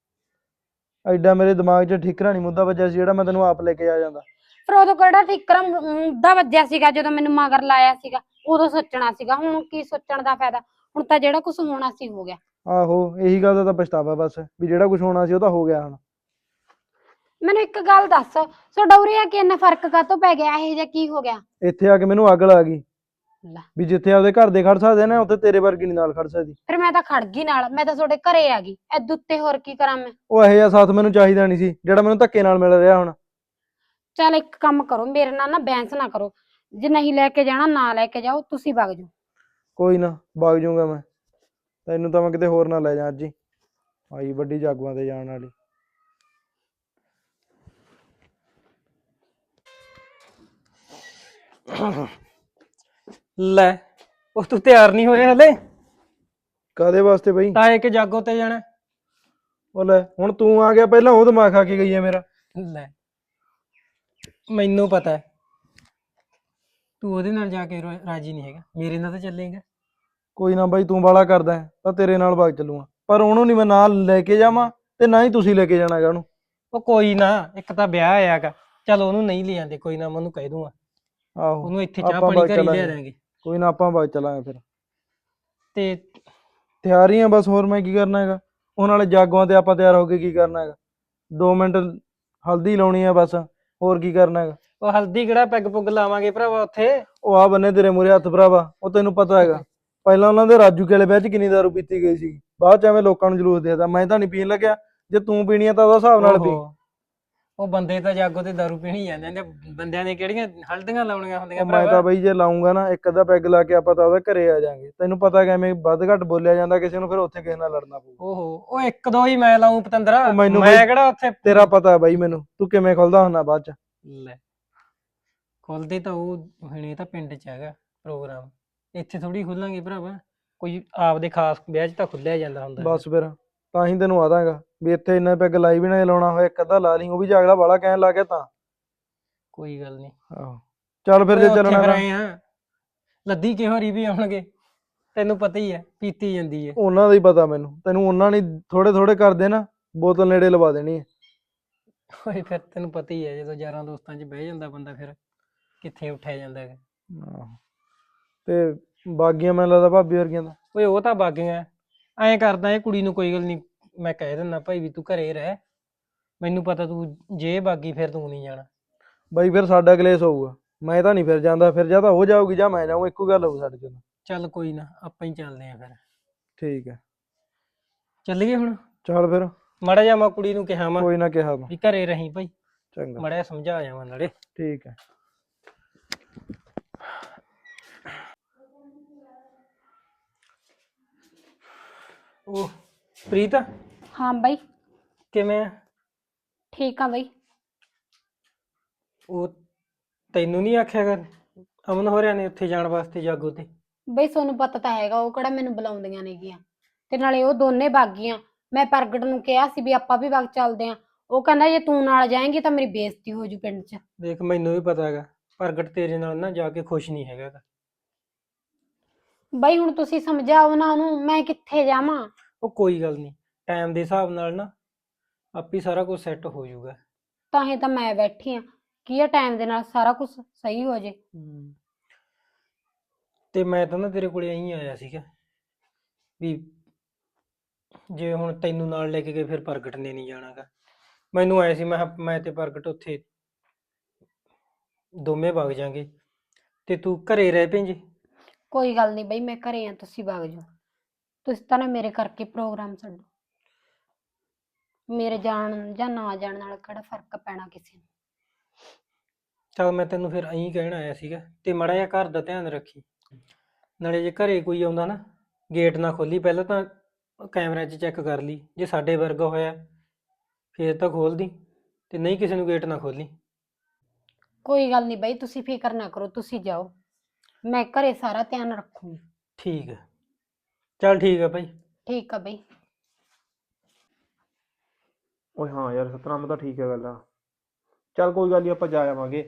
A: ਐਡਾ ਮੇਰੇ ਦਿਮਾਗ 'ਚ ਠੀਕਰਾ ਨਹੀਂ ਮੁੱਦਾ ਵੱਜਿਆ ਸੀ ਜਿਹੜਾ ਮੈਂ ਤੈਨੂੰ ਆਪ ਲੈ ਕੇ ਆ ਜਾਂਦਾ।
B: ਫਿਰ ਉਦੋਂ ਕਿਹੜਾ ਠੀਕਰਾ ਮੁੱਦਾ ਵੱਜਿਆ ਸੀਗਾ, ਜਦੋਂ ਮੈਨੂੰ ਮਗਰ ਲਾਇਆ ਸੀਗਾ, ਉਦੋਂ ਸੋਚਣਾ ਸੀਗਾ। ਹੁਣ ਕੀ ਸੋਚਣ ਦਾ ਫਾਇਦਾ? ਹੁਣ ਤਾਂ ਜਿਹੜਾ ਕੁਝ ਹੋਣਾ ਸੀ ਹੋ ਗਿਆ।
A: ਆਹੋ, ਇਹੀ ਗੱਲ ਦਾ ਤਾਂ ਪਛਤਾਵਾ ਬਸ, ਵੀ ਜਿਹੜਾ ਕੁਝ ਹੋਣਾ ਸੀ ਉਹ ਤਾਂ ਹੋ ਗਿਆ ਹੁਣ।
B: ਮੈਨੂੰ ਇੱਕ ਗੱਲ ਦੱਸ, ਤੁਹਾਡਾ ਉਰੇ ਆ ਕੇ ਇੰਨਾ ਫਰਕ ਕਾਹਤੋਂ ਪੈ ਗਿਆ? ਇਹੋ ਜਿਹਾ ਕੀ ਹੋ ਗਿਆ?
A: ਇੱਥੇ ਆ ਕੇ ਮੈਨੂੰ ਅਕਲ ਆ ਗਈ
B: ਲੈ,
A: ਵੀ ਜਿੱਥੇ ਆਪਦੇ ਘਰ ਦੇ ਖੜ ਸਕਦੇ ਨੇ, ਉੱਥੇ ਤੇਰੇ ਵਰਗੀ ਨਹੀਂ ਨਾਲ ਖੜ ਸਕਦੀ।
B: ਫਿਰ ਮੈਂ ਤਾਂ ਖੜ ਗਈ ਨਾਲ, ਮੈਂ ਤਾਂ ਤੁਹਾਡੇ ਘਰੇ ਆ ਗਈ, ਐਦੂ ਉੱਤੇ ਹੋਰ ਕੀ ਕਰਾਂ ਮੈਂ?
A: ਉਹ ਇਹੋ ਜਿਹਾ ਸਾਥ ਮੈਨੂੰ ਚਾਹੀਦਾ ਨਹੀਂ ਸੀ ਜਿਹੜਾ ਮੈਨੂੰ ਧੱਕੇ ਨਾਲ ਮਿਲ ਰਿਹਾ ਹੁਣ।
B: ਚੱਲ ਇੱਕ ਕੰਮ ਕਰੋ, ਮੇਰੇ ਨਾਲ ਨਾ ਬਹਿਸ ਨਾ ਕਰੋ, ਜੇ ਨਹੀਂ ਲੈ ਕੇ ਜਾਣਾ ਨਾ ਲੈ ਕੇ ਜਾਓ, ਤੁਸੀਂ ਵਗ ਜਾਓ।
A: ਕੋਈ ਨਾ, ਵਗ ਜਾਊਂਗਾ ਮੈਂ। ਤੈਨੂੰ ਤਾਂ ਮੈਂ ਕਿਤੇ ਹੋਰ ਨਾ ਲੈ ਜਾ ਅੱਜ ਹੀ, ਆਈ ਵੱਡੀ ਜਾਗੂਆਂ ਤੇ ਜਾਣ ਵਾਲੀ।
F: ਲੈ, ਉਹ ਤੂੰ ਤਿਆਰ ਨਹੀਂ ਹੋਇਆ ਹਲੇ?
A: ਕਾਦੇ ਵਾਸਤੇ ਬਈ?
F: ਤਾਏ ਕੇ ਜਾਗੋ ਤੇ ਜਾਣਾ।
A: ਉਹ ਲੈ, ਹੁਣ ਤੂੰ ਆ ਗਿਆ, ਪਹਿਲਾਂ ਉਹ ਦਿਮਾਗ ਖਾ ਕੇ ਗਈ ਹੈ ਮੇਰਾ।
F: ਲੈ, ਮੈਨੂੰ ਪਤਾ ਹੈ ਤੂੰ ਉਹਦੇ ਨਾਲ ਜਾ ਕੇ ਰਾ- ਰਾਜੀ ਨਹੀਂ ਹੈਗਾ, ਮੇਰੇ ਨਾਲ ਤਾਂ ਚੱਲੇਗਾ।
A: ਕੋਈ ਨਾ ਬਾਈ, ਤੂੰ ਬਾਲਾ ਕਰਦਾ ਹੈ ਤਾਂ ਤੇਰੇ ਨਾਲ ਵਗ ਚੱਲੂਗਾ, ਪਰ ਉਹਨੂੰ ਨਹੀਂ ਮੈਂ ਨਾਲ ਲੈ ਕੇ ਜਾਵਾਂ, ਤੇ ਨਾ ਹੀ ਤੁਸੀਂ ਲੈ ਕੇ ਜਾਣਾ ਹੈਗਾ ਉਹਨੂੰ।
F: ਉਹ ਕੋਈ ਨਾ, ਇੱਕ ਤਾਂ ਵਿਆਹ ਆਇਆਗਾ, ਚਲ ਉਹਨੂੰ ਨਹੀਂ ਲੈ ਜਾਂਦੇ, ਕੋਈ ਨਾ ਮੈਂ ਉਹਨੂੰ ਕਹਿ ਦੂੰਗਾ,
A: ਆਹੋ,
F: ਉਹਨੂੰ ਇੱਥੇ ਚਾਹ
A: ਆਪਾਂ
F: ਪਾਣੀ
A: ਵਗ
F: ਘਰੇ ਲਿਆ
A: ਚੱਲਾਂਗੇ।
F: ਦਾਂਗੇ।
A: ਕੋਈ ਨਾ, ਆਪਾਂ ਵਗ ਚੱਲਾਂਗੇ ਫਿਰ।
F: ਤੇ
A: ਤਿਆਰ ਹੀ ਆ ਬਸ, ਹੋਰ ਮੈਂ ਕੀ ਕਰਨਾ ਹੈਗਾ? ਉਹ ਨਾਲੇ ਜਾਗੋਆਂ ਤੇ ਆਪਾਂ ਤਿਆਰ ਹੋ ਕੇ ਕੀ ਕਰਨਾ ਹੈਗਾ? ਦੋ ਮਿੰਟ ਹਲਦੀ ਲਾਉਣੀ ਆ ਬਸ, ਹੋਰ ਕੀ ਕਰਨਾ ਹੈਗਾ?
F: ਉਹ ਹਲਦੀ ਕਿਹੜਾ ਪੈਗ ਪੁੱਗ ਲਾਵਾਂਗੇ ਭਰਾਵਾ ਉੱਥੇ।
A: ਉਹ ਆ ਬੰਨੇ ਤੇਰੇ ਮੂਰੇ ਹੱਥ ਭਰਾਵਾ, ਉਹ ਤੈਨੂੰ ਪਤਾ ਹੈਗਾ ਪਹਿਲਾਂ ਉਹਨਾਂ ਦੇ ਰਾਜੂ ਕੇ ਵਾਲੇ ਵਿਆਹ 'ਚ ਕਿੰਨੀ ਦਾਰੂ ਪੀਤੀ ਗਈ ਸੀ, ਬਾਅਦ 'ਚ ਐਵੇਂ ਲੋਕਾਂ ਨੂੰ ਜਲੂਸ ਦੇਦਾ। ਮੈਂ ਤਾਂ ਨਹੀਂ ਪੀਣ ਲੱਗਿਆ, ਜੇ ਤੂੰ ਪੀਣੀ ਆ ਤਾਂ ਉਹਦਾ ਹਿਸਾਬ ਨਾਲ ਪੀ।
F: ਓਹੋ, ਉਹ ਬੰਦੇ ਤਾਂ ਜਾਗੋ ਤੇ ਦਾਰੂ ਪੀਣੀ ਜਾਂਦੇ ਨੇ, ਬੰਦਿਆਂ ਨੇ ਕਿਹੜੀਆਂ ਹਲਦੀਆਂ ਲਾਉਣੀਆਂ ਹੁੰਦੀਆਂ
A: ਉਹ ਮੈਂ ਤਾਂ
F: ਭਰਾਵਾ।
A: ਬਈ ਜੇ ਲਾਉਂਗਾ ਨਾ ਇੱਕ ਅੱਧਾ ਪੈਗ ਲਾ ਕੇ ਆਪਾਂ ਤਾਂ ਉਹਦੇ ਘਰੇ ਆ ਜਾਾਂਗੇ। ਤੈਨੂੰ ਪਤਾ ਕਿ ਐਵੇਂ ਵੱਧ ਘੱਟ ਬੋਲਿਆ ਜਾਂਦਾ ਕਿਸੇ ਨੂੰ, ਫਿਰ ਉੱਥੇ ਕਿਸੇ ਨਾਲ ਲੜਨਾ ਪਊਗਾ।
F: ਓਹੋ ਉਹ ਇੱਕ ਦੋ ਹੀ ਮੈਂ ਲਾਉਂ ਪਤੰਦਰਾ,
A: ਉਹ ਮੈਨੂੰ
F: ਮੈਂ
A: ਬਈ
F: ਕਿਹੜਾ ਉੱਥੇ
A: ਤੇਰਾ ਪਤਾ ਬਈ ਮੈਨੂੰ, ਤੂੰ ਕਿਵੇਂ ਖੁੱਲਦਾ ਹੁੰਦਾ ਬਾਅਦ ਚ।
F: ਲੈ ਖੁੱਲਦੇ ਤਾਂ ਉਹ ਹੁਣ ਇਹ ਤਾਂ ਪਿੰਡ 'ਚ ਹੈਗਾ ਪ੍ਰੋਗਰਾਮ, ਇੱਥੇ ਥੋੜੀ ਖੁੱਲਾਂਗੇ ਭਰਾਵਾ। ਕੋਈ ਆਪਦੇ ਖਾਸ ਵਿਆਹ 'ਚ ਤਾਂ ਖੁੱਲਿਆ ਜਾਂਦਾ ਹੁੰਦਾ
A: ਬਸ ਫਿਰ ਤਾਂ ਹੀ ਤੈਨੂੰ ਆਦਾਂਗਾ ਵੀ ਇੱਥੇ ਇੰਨਾ ਪੈਗ ਲਾਈ ਵੀ ਨਾ ਲਾਉਣਾ ਹੋਇਆ ਇੱਕ ਅੱਧਾ ਲਾ ਲਈ, ਉਹ ਵੀ ਜਾਗਲਾ ਵਾਲਾ ਕਹਿਣ ਲੱਗ ਗਿਆ ਤਾਂ।
F: ਕੋਈ ਗੱਲ ਨਹੀਂ।
A: ਆਹੋ ਚੱਲ ਫਿਰ
F: ਓਏ
A: ਜੇ
F: ਉੱਥੇ
A: ਚੱਲਣਾ
F: ਫਿਰ
A: ਤਾਂ
F: ਆਏ ਆ ਲੱਦੀ ਕਿਹੋ ਰੀ ਵੀ ਆਉਣਗੇ, ਤੈਨੂੰ ਪਤਾ ਹੀ ਹੈ ਪੀਤੀ ਜਾਂਦੀ ਹੈ।
A: ਉਹਨਾਂ ਦਾ ਹੀ ਪਤਾ ਮੈਨੂੰ, ਤੈਨੂੰ ਉਹਨਾਂ ਨੇ ਥੋੜੇ ਥੋੜੇ ਕਰਦੇ ਨਾ ਬੋਤਲ ਨੇੜੇ ਲਵਾ ਦੇਣੀ ਹੈ।
F: ਓਏ ਫਿਰ ਤੈਨੂੰ ਪਤਾ ਹੀ ਹੈ ਜਦੋਂ ਯਾਰਾਂ ਦੋਸਤਾਂ 'ਚ ਬਹਿ ਜਾਂਦਾ ਬੰਦਾ ਫਿਰ ਕਿੱਥੇ ਉੱਠਿਆ ਜਾਂਦਾ ਹੈਗਾ।
A: ਆਹੋ ਤੇ ਬਾਗੀਆਂ ਮੈਨੂੰ ਲੱਗਦਾ ਭਾਬੀ ਵਰਗੀਆਂ ਦਾ।
F: ਓਏ ਉਹ ਤਾਂ ਬਾਗੀਆਂ ਐਂ ਕਰਦਾ ਇਹ ਕੁੜੀ ਨੂੰ, ਕੋਈ ਗੱਲ ਨਹੀਂ ਮੈਂ ਕਹਿ ਦਿੰਦਾ ਭਾਈ ਵੀ ਤੂੰ ਘਰੇ ਰਹਿ, ਮੈਨੂੰ ਪਤਾ ਤੂੰ ਜੇ ਬਾਗੀ ਫਿਰ ਤੂੰ ਨਹੀਂ ਜਾਣਾ।
A: ਬਾਈ ਫਿਰ ਸਾਡਾ ਕਲੇਸ਼ ਹੋਊਗਾ, ਮੈਂ ਤਾਂ ਨਹੀਂ ਫਿਰ ਜਾਂਦਾ, ਫਿਰ ਜਾਂ ਤਾਂ ਉਹ ਜਾਊਗੀ ਜਾਂ ਮੈਂ ਜਾਊਂ, ਇੱਕੋ ਗੱਲ ਹੋਊ ਸਾਡੇ ਚ।
F: ਚੱਲ ਕੋਈ ਨਾ ਆਪਾਂ ਹੀ ਚੱਲਦੇ ਆਂ ਫਿਰ।
A: ਠੀਕ ਹੈ
F: ਚੱਲੀਏ ਹੁਣ।
A: ਚੱਲ ਫਿਰ।
F: ਮਾੜਾ ਜਿਹਾ ਮੈਂ ਕੁੜੀ ਨੂੰ ਕਿਹਾ ਮੈਂ
A: ਕੋਈ ਨਾ ਕਿਹਾ ਤੂੰ।
F: ਵੀ ਘਰੇ ਰਹੀਂ ਭਾਈ,
A: ਚੰਗਾ
F: ਮਾੜਾ ਜਿਹਾ ਸਮਝਾ ਜਾਵਾਂ ਨਾਲੇ।
A: ਠੀਕ ਹੈ।
F: ਉਹ ਪ੍ਰੀਤ
B: ਹਾਂ ਬਾਈ,
F: ਕਿਵੇਂ ਆ?
B: ਠੀਕ ਆ ਬਾਈ।
F: ਉਹ ਤੈਨੂੰ ਨਹੀਂ ਆਖਿਆ ਕਰ ਅਮਨ ਹੋਰਿਆਂ ਨੇ ਉੱਥੇ ਜਾਣ ਵਾਸਤੇ ਜਾਗੋ ਤੇ?
B: ਬਈ ਤੁਹਾਨੂੰ ਪਤਾ ਤਾਂ ਹੈਗਾ ਉਹ ਕਿਹੜਾ ਮੈਨੂੰ ਬੁਲਾਉਂਦੀਆਂ ਨੇਗੀਆਂ, ਤੇ ਨਾਲੇ ਉਹ ਦੋਨੇ ਬਾਗੀਆਂ। ਮੈਂ ਪ੍ਰਗਟ ਨੂੰ ਕਿਹਾ ਸੀ ਵੀ ਆਪਾਂ ਵੀ ਵਗ ਚੱਲਦੇ ਆਂ, ਉਹ ਕਹਿੰਦਾ ਜੇ ਤੂੰ ਨਾਲ ਜਾਏਂਗੀ ਤਾਂ ਮੇਰੀ ਬੇਇੱਜ਼ਤੀ ਹੋ ਜੂ ਪਿੰਡ 'ਚ।
F: ਦੇਖ ਮੈਨੂੰ ਵੀ ਪਤਾ ਹੈਗਾ ਪ੍ਰਗਟ ਤੇਰੇ ਨਾਲ ਨਾ ਜਾ ਕੇ ਖੁਸ਼ ਨਹੀਂ ਹੈਗਾ ਗਾ।
B: ਬਈ ਹੁਣ ਤੁਸੀਂ ਸਮਝਾਓ ਨਾ ਉਹਨੂੰ, ਮੈਂ ਕਿੱਥੇ ਜਾਵਾਂ।
F: ਉਹ ਕੋਈ ਗੱਲ ਨਹੀਂ, ਟਾਈਮ ਦੇ ਹਿਸਾਬ ਨਾਲ ਨਾ ਆਪੇ ਸਾਰਾ ਕੁਝ ਸੈੱਟ ਹੋ ਜਾਊਗਾ।
B: ਤਾਂ ਹੀ ਤਾਂ ਮੈਂ ਬੈਠੀ ਆ, ਕੀ ਆ ਟਾਈਮ ਦੇ ਨਾਲ ਸਾਰਾ ਕੁਝ ਸਹੀ ਹੋ ਜੇ।
F: ਹਮ। ਤੇ ਮੈਂ ਤਾਂ ਨਾ ਤੇਰੇ ਕੋਲੇ ਐਂ ਆਇਆ ਸੀਗਾ ਵੀ ਜੇ ਹੁਣ ਤੈਨੂੰ ਨਾਲ ਲੈ ਕੇ ਗਏ ਫਿਰ ਪ੍ਰਗਟ ਨੇ ਨਹੀਂ ਜਾਣਾਗਾ। ਮੈਨੂੰ ਆਇਆ ਸੀ ਮੈਂ ਕਿਹਾ ਮੈਂ ਤੇ ਪ੍ਰਗਟ ਉੱਥੇ ਦੋਵੇਂ ਵਗ ਜਾਾਂਗੇ ਤੇ ਤੂੰ ਘਰੇ ਰਹਿ ਪੈਂਜੀ।
B: ਕੋਈ ਗੱਲ ਨਹੀਂ ਬਈ, ਮੈਂ ਘਰੇ ਆ, ਤੁਸੀਂ ਵਗ ਜਾਓ। ਤੁਸੀਂ ਤਾਂ ਨਾ ਮੇਰੇ ਕਰਕੇ ਪ੍ਰੋਗਰਾਮ ਛੱਡੋ, ਮੇਰੇ ਜਾਣ ਜਾਂ ਨਾ ਜਾਣ ਨਾਲ ਕਿਹੜਾ ਫਰਕ ਪੈਣਾ ਕਿਸੇ ਨੂੰ।
F: ਚੱਲ ਮੈਂ ਤੈਨੂੰ ਫਿਰ ਐਂ ਕਹਿਣ ਆਇਆ ਸੀਗਾ, ਤੇ ਮਾੜਾ ਜਿਹਾ ਘਰ ਦਾ ਧਿਆਨ ਰੱਖੀ। ਨਾਲੇ ਜੇ ਘਰੇ ਕੋਈ ਆਉਂਦਾ ਨਾ ਗੇਟ ਨਾ ਖੋਲੀ, ਪਹਿਲਾਂ ਤਾਂ ਕੈਮਰਾ 'ਚ ਚੈੱਕ ਕਰ ਲਈ, ਜੇ ਸਾਡੇ ਵਰਗਾ ਹੋਇਆ ਫੇਰ ਤਾਂ ਖੋਲ ਦੀ, ਤੇ ਨਹੀਂ ਕਿਸੇ ਨੂੰ ਗੇਟ ਨਾ ਖੋਲੀ।
B: ਕੋਈ ਗੱਲ ਨਹੀਂ ਬਈ, ਤੁਸੀਂ ਫਿਕਰ ਨਾ ਕਰੋ, ਤੁਸੀਂ ਜਾਓ, ਮੈਂ ਘਰੇ ਸਾਰਾ ਧਿਆਨ ਰੱਖੂੰਗੀ।
F: ਠੀਕ ਹੈ ਚੱਲ ਠੀਕ ਹੈ ਭਾਈ।
B: ਠੀਕ ਆ ਬਈ।
A: ਓਏ ਹਾਂ ਯਾਰ ਸਤਨਾਮ ਤਾਂ ਠੀਕ ਹੈ ਗੱਲ ਆ। ਚੱਲ ਕੋਈ ਗੱਲ ਨਹੀਂ ਆਪਾਂ ਜਾ ਆਵਾਂਗੇ।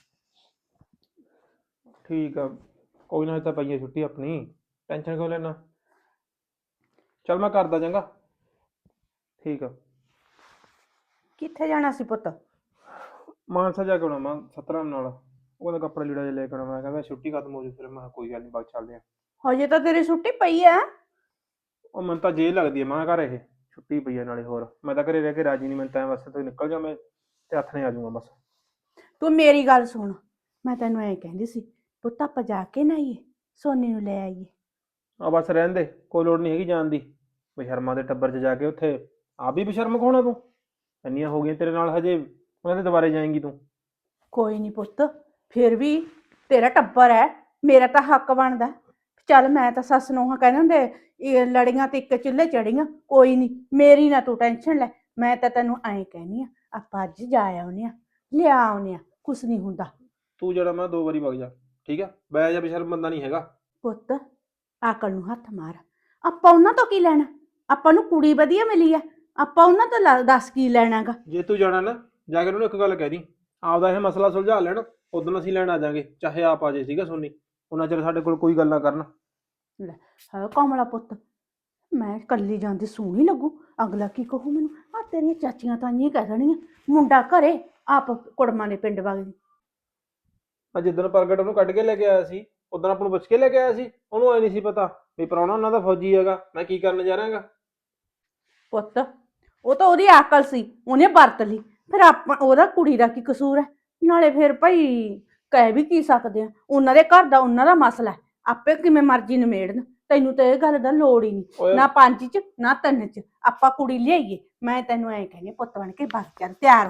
A: ਠੀਕ ਆ ਕੋਈ ਨਾ, ਤਾਂ ਪਈ ਹੈ ਛੁੱਟੀ ਆਪਣੀ, ਟੈਨਸ਼ਨ ਕਿਉਂ ਲੈਣਾ। ਚੱਲ ਮੈਂ ਕਰਦਾ ਚੰਗਾ। ਠੀਕ ਆ।
E: ਕਿੱਥੇ ਜਾਣਾ ਸੀ ਪੁੱਤ?
A: ਮਾਨਸਾ ਜਾ ਕੇ ਆਉਣਾ ਮੈਂ ਸਤਨਾਮ ਨਾਲ, ਉਹਦਾ ਕੱਪੜਾ ਲੀੜਾ ਜਿਹਾ ਲੈ ਕੇ ਆਉਣਾ। ਮੈਂ ਕਹਿੰਦਾ ਛੁੱਟੀ ਖਤਮ ਹੋ ਜੂ, ਫਿਰ ਮੈਂ ਕਿਹਾ ਕੋਈ ਗੱਲ ਨਹੀਂ ਬਾਅਦ 'ਚ ਚੱਲਦੇ ਆ।
E: ਹਜੇ ਤਾਂ ਤੇਰੀ ਛੁੱਟੀ ਪਈ ਐ।
A: ਉਹ ਮੈਨੂੰ ਤਾਂ ਜੇਲ੍ਹ ਲੱਗਦੀ ਹੈ ਮੈਂ ਘਰ, ਇਹ ਛੁੱਟੀ ਪਈ ਹੈ ਨਾਲੇ। ਹੋਰ ਮੈਂ ਤਾਂ ਘਰੇ ਰਹਿ ਕੇ ਰਾਜੀ ਨਹੀਂ, ਮੈਨੂੰ ਤਾਂ ਬਸ ਤੂੰ ਨਿਕਲ ਜਾ, ਮੈਂ ਤੇ ਹੱਥ ਨੇ ਆ ਜਾਊਂਗਾ ਬਸ।
E: ਤੂੰ ਮੇਰੀ ਗੱਲ ਸੁਣ, ਮੈਂ ਤੈਨੂੰ ਐਂ ਕਹਿੰਦੀ ਸੀ ਪੁੱਤ ਆਪਾਂ ਜਾ ਕੇ ਨਾ ਆਈਏ, ਸੋਨੀ ਨੂੰ ਲੈ ਆਈਏ।
A: ਆ ਬਸ ਰਹਿਣ ਦੇ, ਕੋਈ ਲੋੜ ਨਹੀਂ ਹੈਗੀ ਜਾਣ ਦੀ। ਬਸ਼ਰਮਾ ਦੇ ਟੱਬਰ 'ਚ ਜਾ ਕੇ ਉੱਥੇ ਆਪ ਵੀ ਬਸ਼ਰਮ ਖਾਣਾ ਤੂੰ, ਇੰਨੀਆਂ ਹੋ ਗਈਆਂ ਤੇਰੇ ਨਾਲ ਹਜੇ, ਉਹਨਾਂ ਦੇ ਦੁਬਾਰੇ ਜਾਏਂਗੀ ਤੂੰ।
E: ਕੋਈ ਨਹੀਂ ਪੁੱਤ, ਫਿਰ ਵੀ ਤੇਰਾ ਟੱਬਰ ਹੈ, ਮੇਰਾ ਤਾਂ ਹੱਕ ਬਣਦਾ। ਚੱਲ ਮੈਂ ਤਾਂ ਸੱਸ ਨੂੰ ਕਹਿੰਦੇ ਹੁੰਦੇ ਇਹ ਲੜੀਆਂ ਤੇ ਇੱਕ ਚੁੱਲ੍ਹੇ ਚੜੀਆਂ, ਕੋਈ ਨਹੀਂ ਮੇਰੀ ਨਾ ਤੂੰ ਟੈਨਸ਼ਨ ਲੈ। ਮੈਂ ਤਾਂ ਤੈਨੂੰ ਐਂ ਕਹਿਨੀ ਆ ਆਪਾਂ ਅੱਜ ਜਾ ਆਉਨੇ ਆ, ਲਿਆ ਆਉਨੇ ਆ, ਕੁਛ ਨਹੀਂ ਹੁੰਦਾ।
A: ਤੂੰ ਜਿਹੜਾ ਮੈਂ ਦੋ ਵਾਰੀ ਵਗ ਜਾ, ਠੀਕ ਆ। ਬੈ ਜਾ, ਬਸ਼ਰਮ ਬੰਦਾ ਨਹੀਂ ਹੈਗਾ।
E: ਪੁੱਤ ਆਕਲ ਨੂੰ ਹੱਥ ਮਾਰ, ਆਪਾਂ ਉਹਨਾਂ ਤੋਂ ਕੀ ਲੈਣਾ? ਆਪਾਂ ਨੂੰ ਕੁੜੀ ਵਧੀਆ ਮਿਲੀ ਆ, ਆਪਾਂ ਉਹਨਾਂ ਤੋਂ ਲ- ਦੱਸ ਕੀ ਲੈਣਾਗਾ।
A: ਜੇ ਤੂੰ ਜਾਣਾ ਨਾ ਜਾ ਕੇ ਉਹਨੂੰ ਇੱਕ ਗੱਲ ਕਹਿ ਦੀ, ਆਪਦਾ ਇਹ ਮਸਲਾ ਸੁਲਝਾ ਲੈਣ, ਉਦੋਂ ਅਸੀਂ ਲੈਣ ਆ ਜਾਾਂਗੇ, ਚਾਹੇ ਆਪ ਆ ਜੇ। ਸੀਗਾ ਸੋਨੀ, ਉਹਨਾਂ ਚਿਰ ਸਾਡੇ ਕੋਲ ਕੋਈ ਗੱਲ ਨਾ ਕਰਨ।
E: ਹਾਂ ਕਮਲਾ ਪੁੱਤ, ਮੈਂ ਕੱਲੀ ਜਾਂਦੀ ਸੋਹਣੀ ਲੱਗੂ, ਅਗਲਾ ਕੀ ਕਹੂ ਮੈਨੂੰ? ਆ ਤੇਰੀਆਂ ਚਾਚੀਆਂ ਤਾਈਆਂ ਕਹਿ ਦੇਣੀਆਂ ਮੁੰਡਾ ਘਰੇ, ਆਪ ਕੁੜਮਾਂ ਦੇ ਪਿੰਡ ਵਗ ਗਈ।
A: ਆ ਜਿੱਦਣ ਪ੍ਰਗਟ ਉਹਨੂੰ ਕੱਢ ਕੇ ਲੈ ਕੇ ਆਇਆ ਸੀ, ਉਦੋਂ ਆਪਾਂ ਨੂੰ ਪੁੱਛ ਕੇ ਲੈ ਕੇ ਆਇਆ ਸੀ। ਉਹਨੂੰ ਐ ਨਹੀਂ ਸੀ ਪਤਾ ਵੀ ਪ੍ਰਾਹੁਣਾ ਉਹਨਾਂ ਦਾ ਫੌਜੀ ਹੈਗਾ, ਮੈਂ ਕੀ ਕਰਨ ਜਾ ਰਿਹਾਗਾ।
E: ਪੁੱਤ ਉਹ ਤਾਂ ਉਹਦੀ ਅਕਲ ਸੀ, ਉਹਨੇ ਵਰਤ ਲਈ, ਫਿਰ ਆਪਾਂ ਉਹਦਾ ਕੁੜੀ ਦਾ ਕੀ ਕਸੂਰ ਹੈ? ਨਾਲੇ ਫਿਰ ਭਾਈ ਕਹਿ ਵੀ ਕੀ ਸਕਦੇ ਆ, ਉਹਨਾਂ ਦੇ ਘਰ ਦਾ ਉਹਨਾਂ ਦਾ ਮਸਲਾ ਹੈ, ਆਪੇ ਕਿਵੇਂ ਮਰਜ਼ੀ ਨਿਮੇੜਨ। ਤੈਨੂੰ ਤਾਂ ਇਹ ਗੱਲ ਦਾ ਲੋੜ ਹੀ ਨਹੀਂ,
A: ਓਏ
E: ਨਾ ਪੰਜ ਚ ਨਾ ਤਿੰਨ ਚ। ਆਪਾਂ ਕੁੜੀ ਲਿਆਈਏ, ਮੈਂ ਤੈਨੂੰ ਐਂ ਕਹਿੰਦੀ ਪੁੱਤ ਬਣ ਕੇ ਬਸ ਚੱਲ ਤਿਆਰ ਹੋ ਜਾ।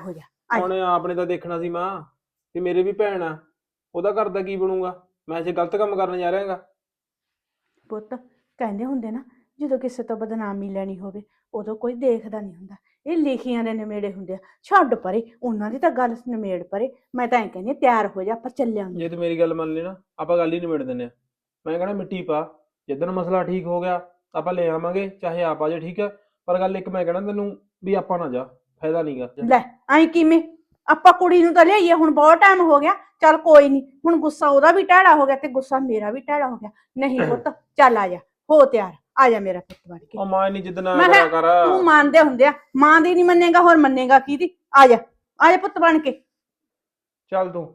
E: ਆਈ।
A: ਉਹਨੇ ਆਪਣੇ ਤਾਂ ਦੇਖਣਾ ਸੀ ਮਾਂ ਵੀ ਮੇਰੇ ਵੀ ਭੈਣ ਆ, ਉਹਦਾ ਘਰ ਦਾ ਕੀ ਬਣੂਗਾ? ਮੈਂ ਜੇ ਗਲਤ ਕੰਮ ਕਰਨ ਜਾ ਰਿਹਾਗਾ।
E: ਪੁੱਤ ਕਹਿੰਦੇ ਹੁੰਦੇ ਨਾ, ਜਦੋਂ ਕਿਸੇ ਤੋਂ ਬਦਨਾਮੀ ਲੈਣੀ ਹੋਵੇ ਉਦੋਂ ਕੋਈ ਦੇਖਦਾ ਨਹੀਂ ਹੁੰਦਾ, ਇਹ ਲਿਖੀਆਂ ਦੇ ਨਿਮੇੜੇ ਹੁੰਦੇ ਆ। ਛੱਡ ਪਰੇ, ਉਹਨਾਂ ਦੀ ਤਾਂ ਗੱਲ ਨਿਮੇੜ ਪਰੇ। ਮੈਂ ਤਾਂ ਐਂ ਕਹਿੰਦੀ ਹਾਂ, ਤਿਆਰ ਹੋ ਜਾ, ਆਪਾਂ ਚੱਲਾਂਗੇ।
A: ਜੇ ਤੂੰ ਮੇਰੀ ਗੱਲ ਮੰਨ ਲਈ ਨਾ, ਆਪਾਂ ਗੱਲ ਹੀ ਨਿਬੇੜ ਦਿੰਦੇ ਆ। ਮੈਂ ਕਹਿਣਾ ਮਿੱਟੀ ਪਾ, ਜਿੱਦਣ ਮਸਲਾ ਠੀਕ ਹੋ ਗਿਆ ਆਪਾਂ ਲੈ ਆਵਾਂਗੇ, ਚਾਹੇ ਆਪ ਆ ਜਾ, ਠੀਕ ਆ। ਪਰ ਗੱਲ ਇੱਕ ਮੈਂ ਕਹਿਣਾ ਤੈਨੂੰ, ਵੀ ਆਪਾਂ ਨਾ ਜਾ, ਫਾਇਦਾ ਨਹੀਂਗਾ।
E: ਲੈ ਐਂ ਕਿਵੇਂ? ਆਪਾਂ ਕੁੜੀ ਨੂੰ ਤਾਂ ਲਿਆਈਏ, ਹੁਣ ਬਹੁਤ ਟਾਈਮ ਹੋ ਗਿਆ। ਚੱਲ ਕੋਈ ਨਹੀਂ, ਹੁਣ ਗੁੱਸਾ ਉਹਦਾ ਵੀ ਟੈੜਾ ਹੋ ਗਿਆ ਤੇ ਗੁੱਸਾ ਮੇਰਾ ਵੀ ਟੈੜਾ ਹੋ ਗਿਆ। ਨਹੀਂ ਪੁੱਤ ਚੱਲ ਆ ਜਾ, ਹੋ ਤਿਆਰ, ਆ ਜਾ ਮੇਰਾ ਪੁੱਤ ਬਣ ਕੇ।
A: ਉਹ ਮਾਂ ਨਹੀਂ ਜਿੱਦਣਾ
E: ਮੈਂ
A: ਕਰਿਆ
E: ਕਿਹਾ
A: ਕਰ।
E: ਤੂੰ ਮੰਨਦੇ ਹੁੰਦੇ ਆ, ਮਾਂ ਦੀ ਨਹੀਂ ਮੰਨੇਗਾ ਹੋਰ ਮੰਨੇਗਾ ਕਿਹਦੀ? ਆ ਜਾ, ਆ ਜਾ ਪੁੱਤ ਬਣ ਕੇ।
A: ਚੱਲ ਤੂੰ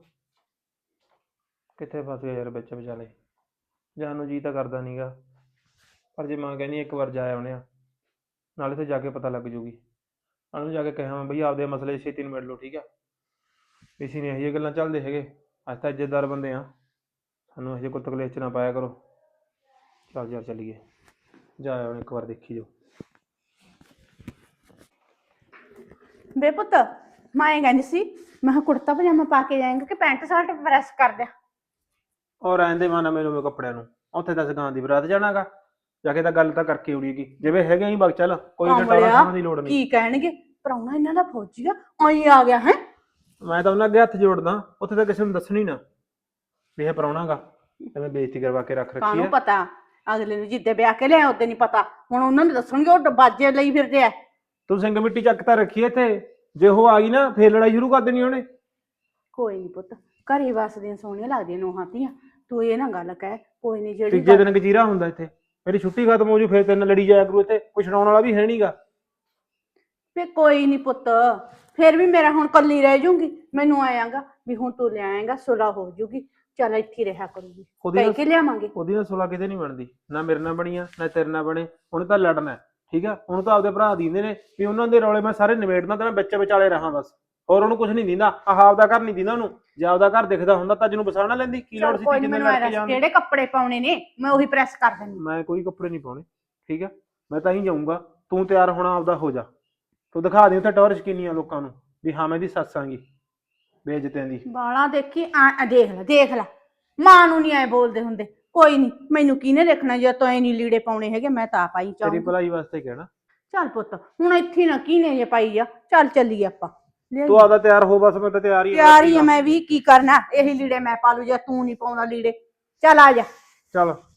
A: ਕਿੱਥੇ ਫਸ ਗਿਆ ਯਾਰ ਵਿੱਚ ਵਿਚਾਲੇ। ਜਾਣ ਨੂੰ ਜੀ ਤਾਂ ਕਰਦਾ ਨਹੀਂਗਾ, ਪਰ ਜੇ ਮਾਂ ਕਹਿੰਦੀ ਇੱਕ ਵਾਰ ਜਾ ਆਉਣੇ ਆ, ਨਾਲੇ ਤੇ ਜਾ ਕੇ ਪਤਾ ਲੱਗ ਜੂਗੀ। ਉਹਨੂੰ ਜਾ ਕੇ ਕਹਾਂ ਬਈ ਆਪਦੇ ਮਸਲੇ ਛੇਤੀ ਨਿਬੇੜ ਲਓ, ਠੀਕ ਆ। ਇਸੀ ਨੇ ਇਹ ਗੱਲਾਂ ਚੱਲਦੇ ਹੈਗੇ। ਅੱਜ ਤਾਂ ਇੱਜ਼ਤਦਾਰ ਬੰਦੇ ਆ, ਸਾਨੂੰ ਇਹੋ ਜਿਹੇ ਕੁੱਤ ਕਲੇਸ਼ 'ਚ ਨਾ ਪਾਇਆ ਕਰੋ। ਚੱਲ ਯਾਰ ਚੱਲੀਏ, ਜਾ ਆਉਣੇ ਇੱਕ ਵਾਰ, ਦੇਖੀ ਜਾਓ।
E: ਬੇ ਪੁੱਤ ਮੈਂ ਇਹ ਕਹਿੰਦੀ ਸੀ, ਮੈਂ ਕਿਹਾ ਕੁੜਤਾ ਪਜਾਮਾ ਪਾ ਕੇ ਜਾਏਂਗਾ ਕਿ ਪੈਂਟ ਸ਼ਰਟ ਪ੍ਰੈਸ ਕਰ ਦਿਆਂ?
A: ਔਰ ਰਹਿੰਦੇ ਮਾਨਾ ਮੈਨੂੰ ਕੱਪੜਿਆਂ ਨੂੰ, ਉੱਥੇ ਤਾਂ ਸਗਾਂ ਦੀ ਬਰਾਤ ਜਾਣਾਗਾ, ਜਾ ਕੇ ਤਾਂ ਗੱਲ ਤਾਂ ਕਰਕੇ ਉੜੀਗੀ। ਜਿਵੇਂ ਹੈਗੇ ਹੀ ਬਗ ਚੱਲ, ਕੋਈ ਤੇ ਟਾਲਾ ਖਾਣ ਦੀ ਲੋੜ ਨਹੀਂ।
E: ਕੀ ਕਹਿਣਗੇ? ਪ੍ਰਾਹੁਣਾ ਇਹਨਾਂ ਦਾ ਫੌਜੀ ਆ, ਆਈ ਆ ਗਿਆ ਹੈ।
A: ਮੈਂ ਤਾਂ ਉਹਨਾਂ ਅੱਗੇ ਹੱਥ ਜੋੜਦਾ, ਉੱਥੇ ਤਾਂ ਕਿਸੇ ਨੂੰ ਦੱਸਣੀ ਨਾ ਵੀ ਇਹ ਪ੍ਰਾਹੁਣਾਗਾ। ਐਵੇਂ ਬੇਇੱਜ਼ਤੀ ਕਰਵਾ ਕੇ ਰੱਖ ਰੱਖੀ
E: ਕਾਹਨੂੰ
A: ਹੈ।
E: ਪਤਾ, ਅਗਲੇ ਨੂੰ ਜਿੱਦੇ ਵਿਆਹ ਕੇ ਲਿਆ ਉਦੋਂ ਨਹੀਂ ਪਤਾ, ਹੁਣ ਉਹਨਾਂ ਨੂੰ ਦੱਸਣਗੇ ਉਹ ਬਾਜੇ ਲਈ ਫਿਰਦੇ ਆ।
A: ਤੂੰ ਸਿੰਘ ਮਿੱਟੀ ਚੱਕ ਤਾਂ ਰੱਖੀ ਇੱਥੇ, ਜੇ ਉਹ ਆ ਗਈ ਨਾ ਫੇਰ ਲੜਾਈ ਸ਼ੁਰੂ ਕਰ ਦੇਣੀ ਉਹਨੇ।
E: ਕੋਈ ਨਹੀਂ ਪੁੱਤ, ਘਰੇ ਵਸਦੀਆਂ ਸੋਹਣੀਆਂ ਲੱਗਦੀਆਂ ਨੂੰਹਾਂ ਧੀਆਂ, ਤੂੰ ਇਹ ਨਾ ਗੱਲ ਕਹਿ। ਕੋਈ ਨਹੀਂ, ਜਿਹੜੀ
A: ਤੀਜੇ ਦਿਨ ਗਜੀਰਾ ਹੁੰਦਾ ਇੱਥੇ, ਮੇਰੀ ਛੁੱਟੀ ਖਤਮ ਹੋ ਜੂ ਫੇਰ ਤੈਨੂੰ ਲੜੀ ਜਾਇਆ ਕਰੂ। ਇੱਥੇ ਕੋਈ ਛਡਾਉਣ ਵਾਲਾ ਵੀ ਹੈ ਨਹੀਂਗਾ।
E: ਫੇ ਕੋਈ ਨਹੀਂ ਪੁੱਤ, ਫੇਰ ਵੀ ਮੇਰਾ ਹੁਣ ਕੱਲੀ ਰਹਿ ਜੂਗੀ। ਮੈਨੂੰ ਆਇਆਗਾ ਵੀ ਹੁਣ ਤੂੰ ਲਿਆਏਂਗਾ, ਸੁਲਾ ਹੋ ਜੂਗੀ, ਚੱਲ ਇੱਥੇ ਰਿਹਾ ਕਰੂਗੀ,
A: ਉਹਦੀ
E: ਕਹਿ
A: ਨਾ
E: ਕੇ ਲਿਆਵਾਂਗੇ।
A: ਉਹਦੀ ਨਾ ਸੁਲਾ ਕਿਤੇ ਨਹੀਂ ਬਣਦੀ, ਨਾ ਮੇਰੇ ਨਾਲ ਬਣੀਆਂ ਨਾ ਤੇਰੇ ਨਾਲ ਬਣੇ। ਉਹਨੇ ਤਾਂ ਲੜਨਾ ਹੈ, ਠੀਕ ਆ। ਉਹਨੂੰ ਤਾਂ ਆਪਦੇ ਭਰਾ ਦੀਂਦੇ ਨੇ ਵੀ ਉਹਨਾਂ ਦੇ ਰੌਲੇ ਮੈਂ ਸਾਰੇ ਨਿਬੇੜਨਾ ਤੇ ਮੈਂ ਵਿੱਚ ਵਿਚਾਲੇ ਰਹਾਂ ਬਸ, ਹੋਰ ਉਹਨੂੰ ਕੁਝ ਨਹੀਂ ਦਿੰਦਾ। ਆਹ ਆਪਦਾ ਘਰ ਨਹੀਂ ਦਿੰਦਾ ਉਹਨੂੰ। ਜੇ ਆਪਦਾ ਘਰ ਦਿਖਦਾ ਹੁੰਦਾ ਤਾਂ ਜਿਹਨੂੰ ਬਸਾਣਾ ਲੈਂਦੀ, ਕੀ ਲੋੜ
E: ਚੱਲ
A: ਸੀ
E: ਕੋਈ
A: ਤੀਜੇ
E: ਨੀ,
A: ਦਿਨ
E: ਮੈਨੂੰ
A: ਲੜ ਕੇ
E: ਐਂ
A: ਜਾਣ
E: ਦੱਸ
A: ਦੀ।
E: ਕਿਹੜੇ ਕੱਪੜੇ ਪਾਉਣੇ ਨੇ, ਮੈਂ ਉਹੀ ਪ੍ਰੈਸ ਕਰ ਦਿੰਦੀ।
A: ਮੈਂ ਕੋਈ ਕੱਪੜੇ ਨਹੀਂ ਪਾਉਣੇ, ਠੀਕ ਆ। ਮੈਂ ਤਾਂ ਹੀ ਜਾਊਂਗਾ, ਤੂੰ ਤਿਆਰ ਹੋਣਾ ਆਪਦਾ ਹੋ ਜਾ। ਤੂੰ ਦਿਖਾ ਦੇ ਉੱਥੇ ਟੌਰ ਸ਼ਕੀਨੀਆਂ ਲੋਕਾਂ ਨੂੰ ਵੀ ਹਾਂ ਮੈਂ ਇਹਦੀ ਸੱਸ ਆਂਗੀ ਬੇਇੱਜ਼ਤਿਆਂ ਦੀ।
E: ਬਾਲਾ ਦੇਖੀ ਆ, ਦੇਖ ਲੈ ਦੇਖ ਲੈ, ਮਾਂ ਨੂੰ ਨਹੀਂ ਐ ਬੋਲਦੇ ਹੁੰਦੇ। ਕੋਈ ਨਹੀਂ, ਮੈਨੂੰ ਕਿਹਨੇ ਦੇਖਣਾ, ਜੇ ਤੂੰ ਐ ਨਹੀਂ ਲੀੜੇ ਪਾਉਣੇ ਹੈਗੇ, ਮੈਂ ਤਾਂ ਪਾਈ
A: ਤੇਰੀ
E: ਚਾਹੂੰ।
A: ਭਲਾਈ ਵਾਸਤੇ ਕਹਿਣਾ।
E: ਚੱਲ ਪੁੱਤ ਹੁਣ ਇੱਥੇ ਨਾ ਕਿਹਨੇ ਜੇ ਪਾਈ ਆ, ਚੱਲ ਚੱਲੀਏ ਆਪਾਂ।
A: ਤੂੰ ਆਪਦਾ ਤਿਆਰ ਹੋ ਬਸ, ਮੈਂ ਤਾਂ ਤਿਆਰ ਹੀ ਹਾਂ।
E: ਤਿਆਰ ਹੀ ਆ ਮੈਂ ਵੀ, ਕੀ ਕਰਨਾ, ਇਹੀ ਲੀੜੇ ਮੈਂ ਪਾ ਲੂ ਜੇ ਤੂੰ ਨਹੀਂ ਪਾਉਣਾ ਲੀੜੇ। ਚੱਲ ਆ ਜਾ।
A: ਚੱਲ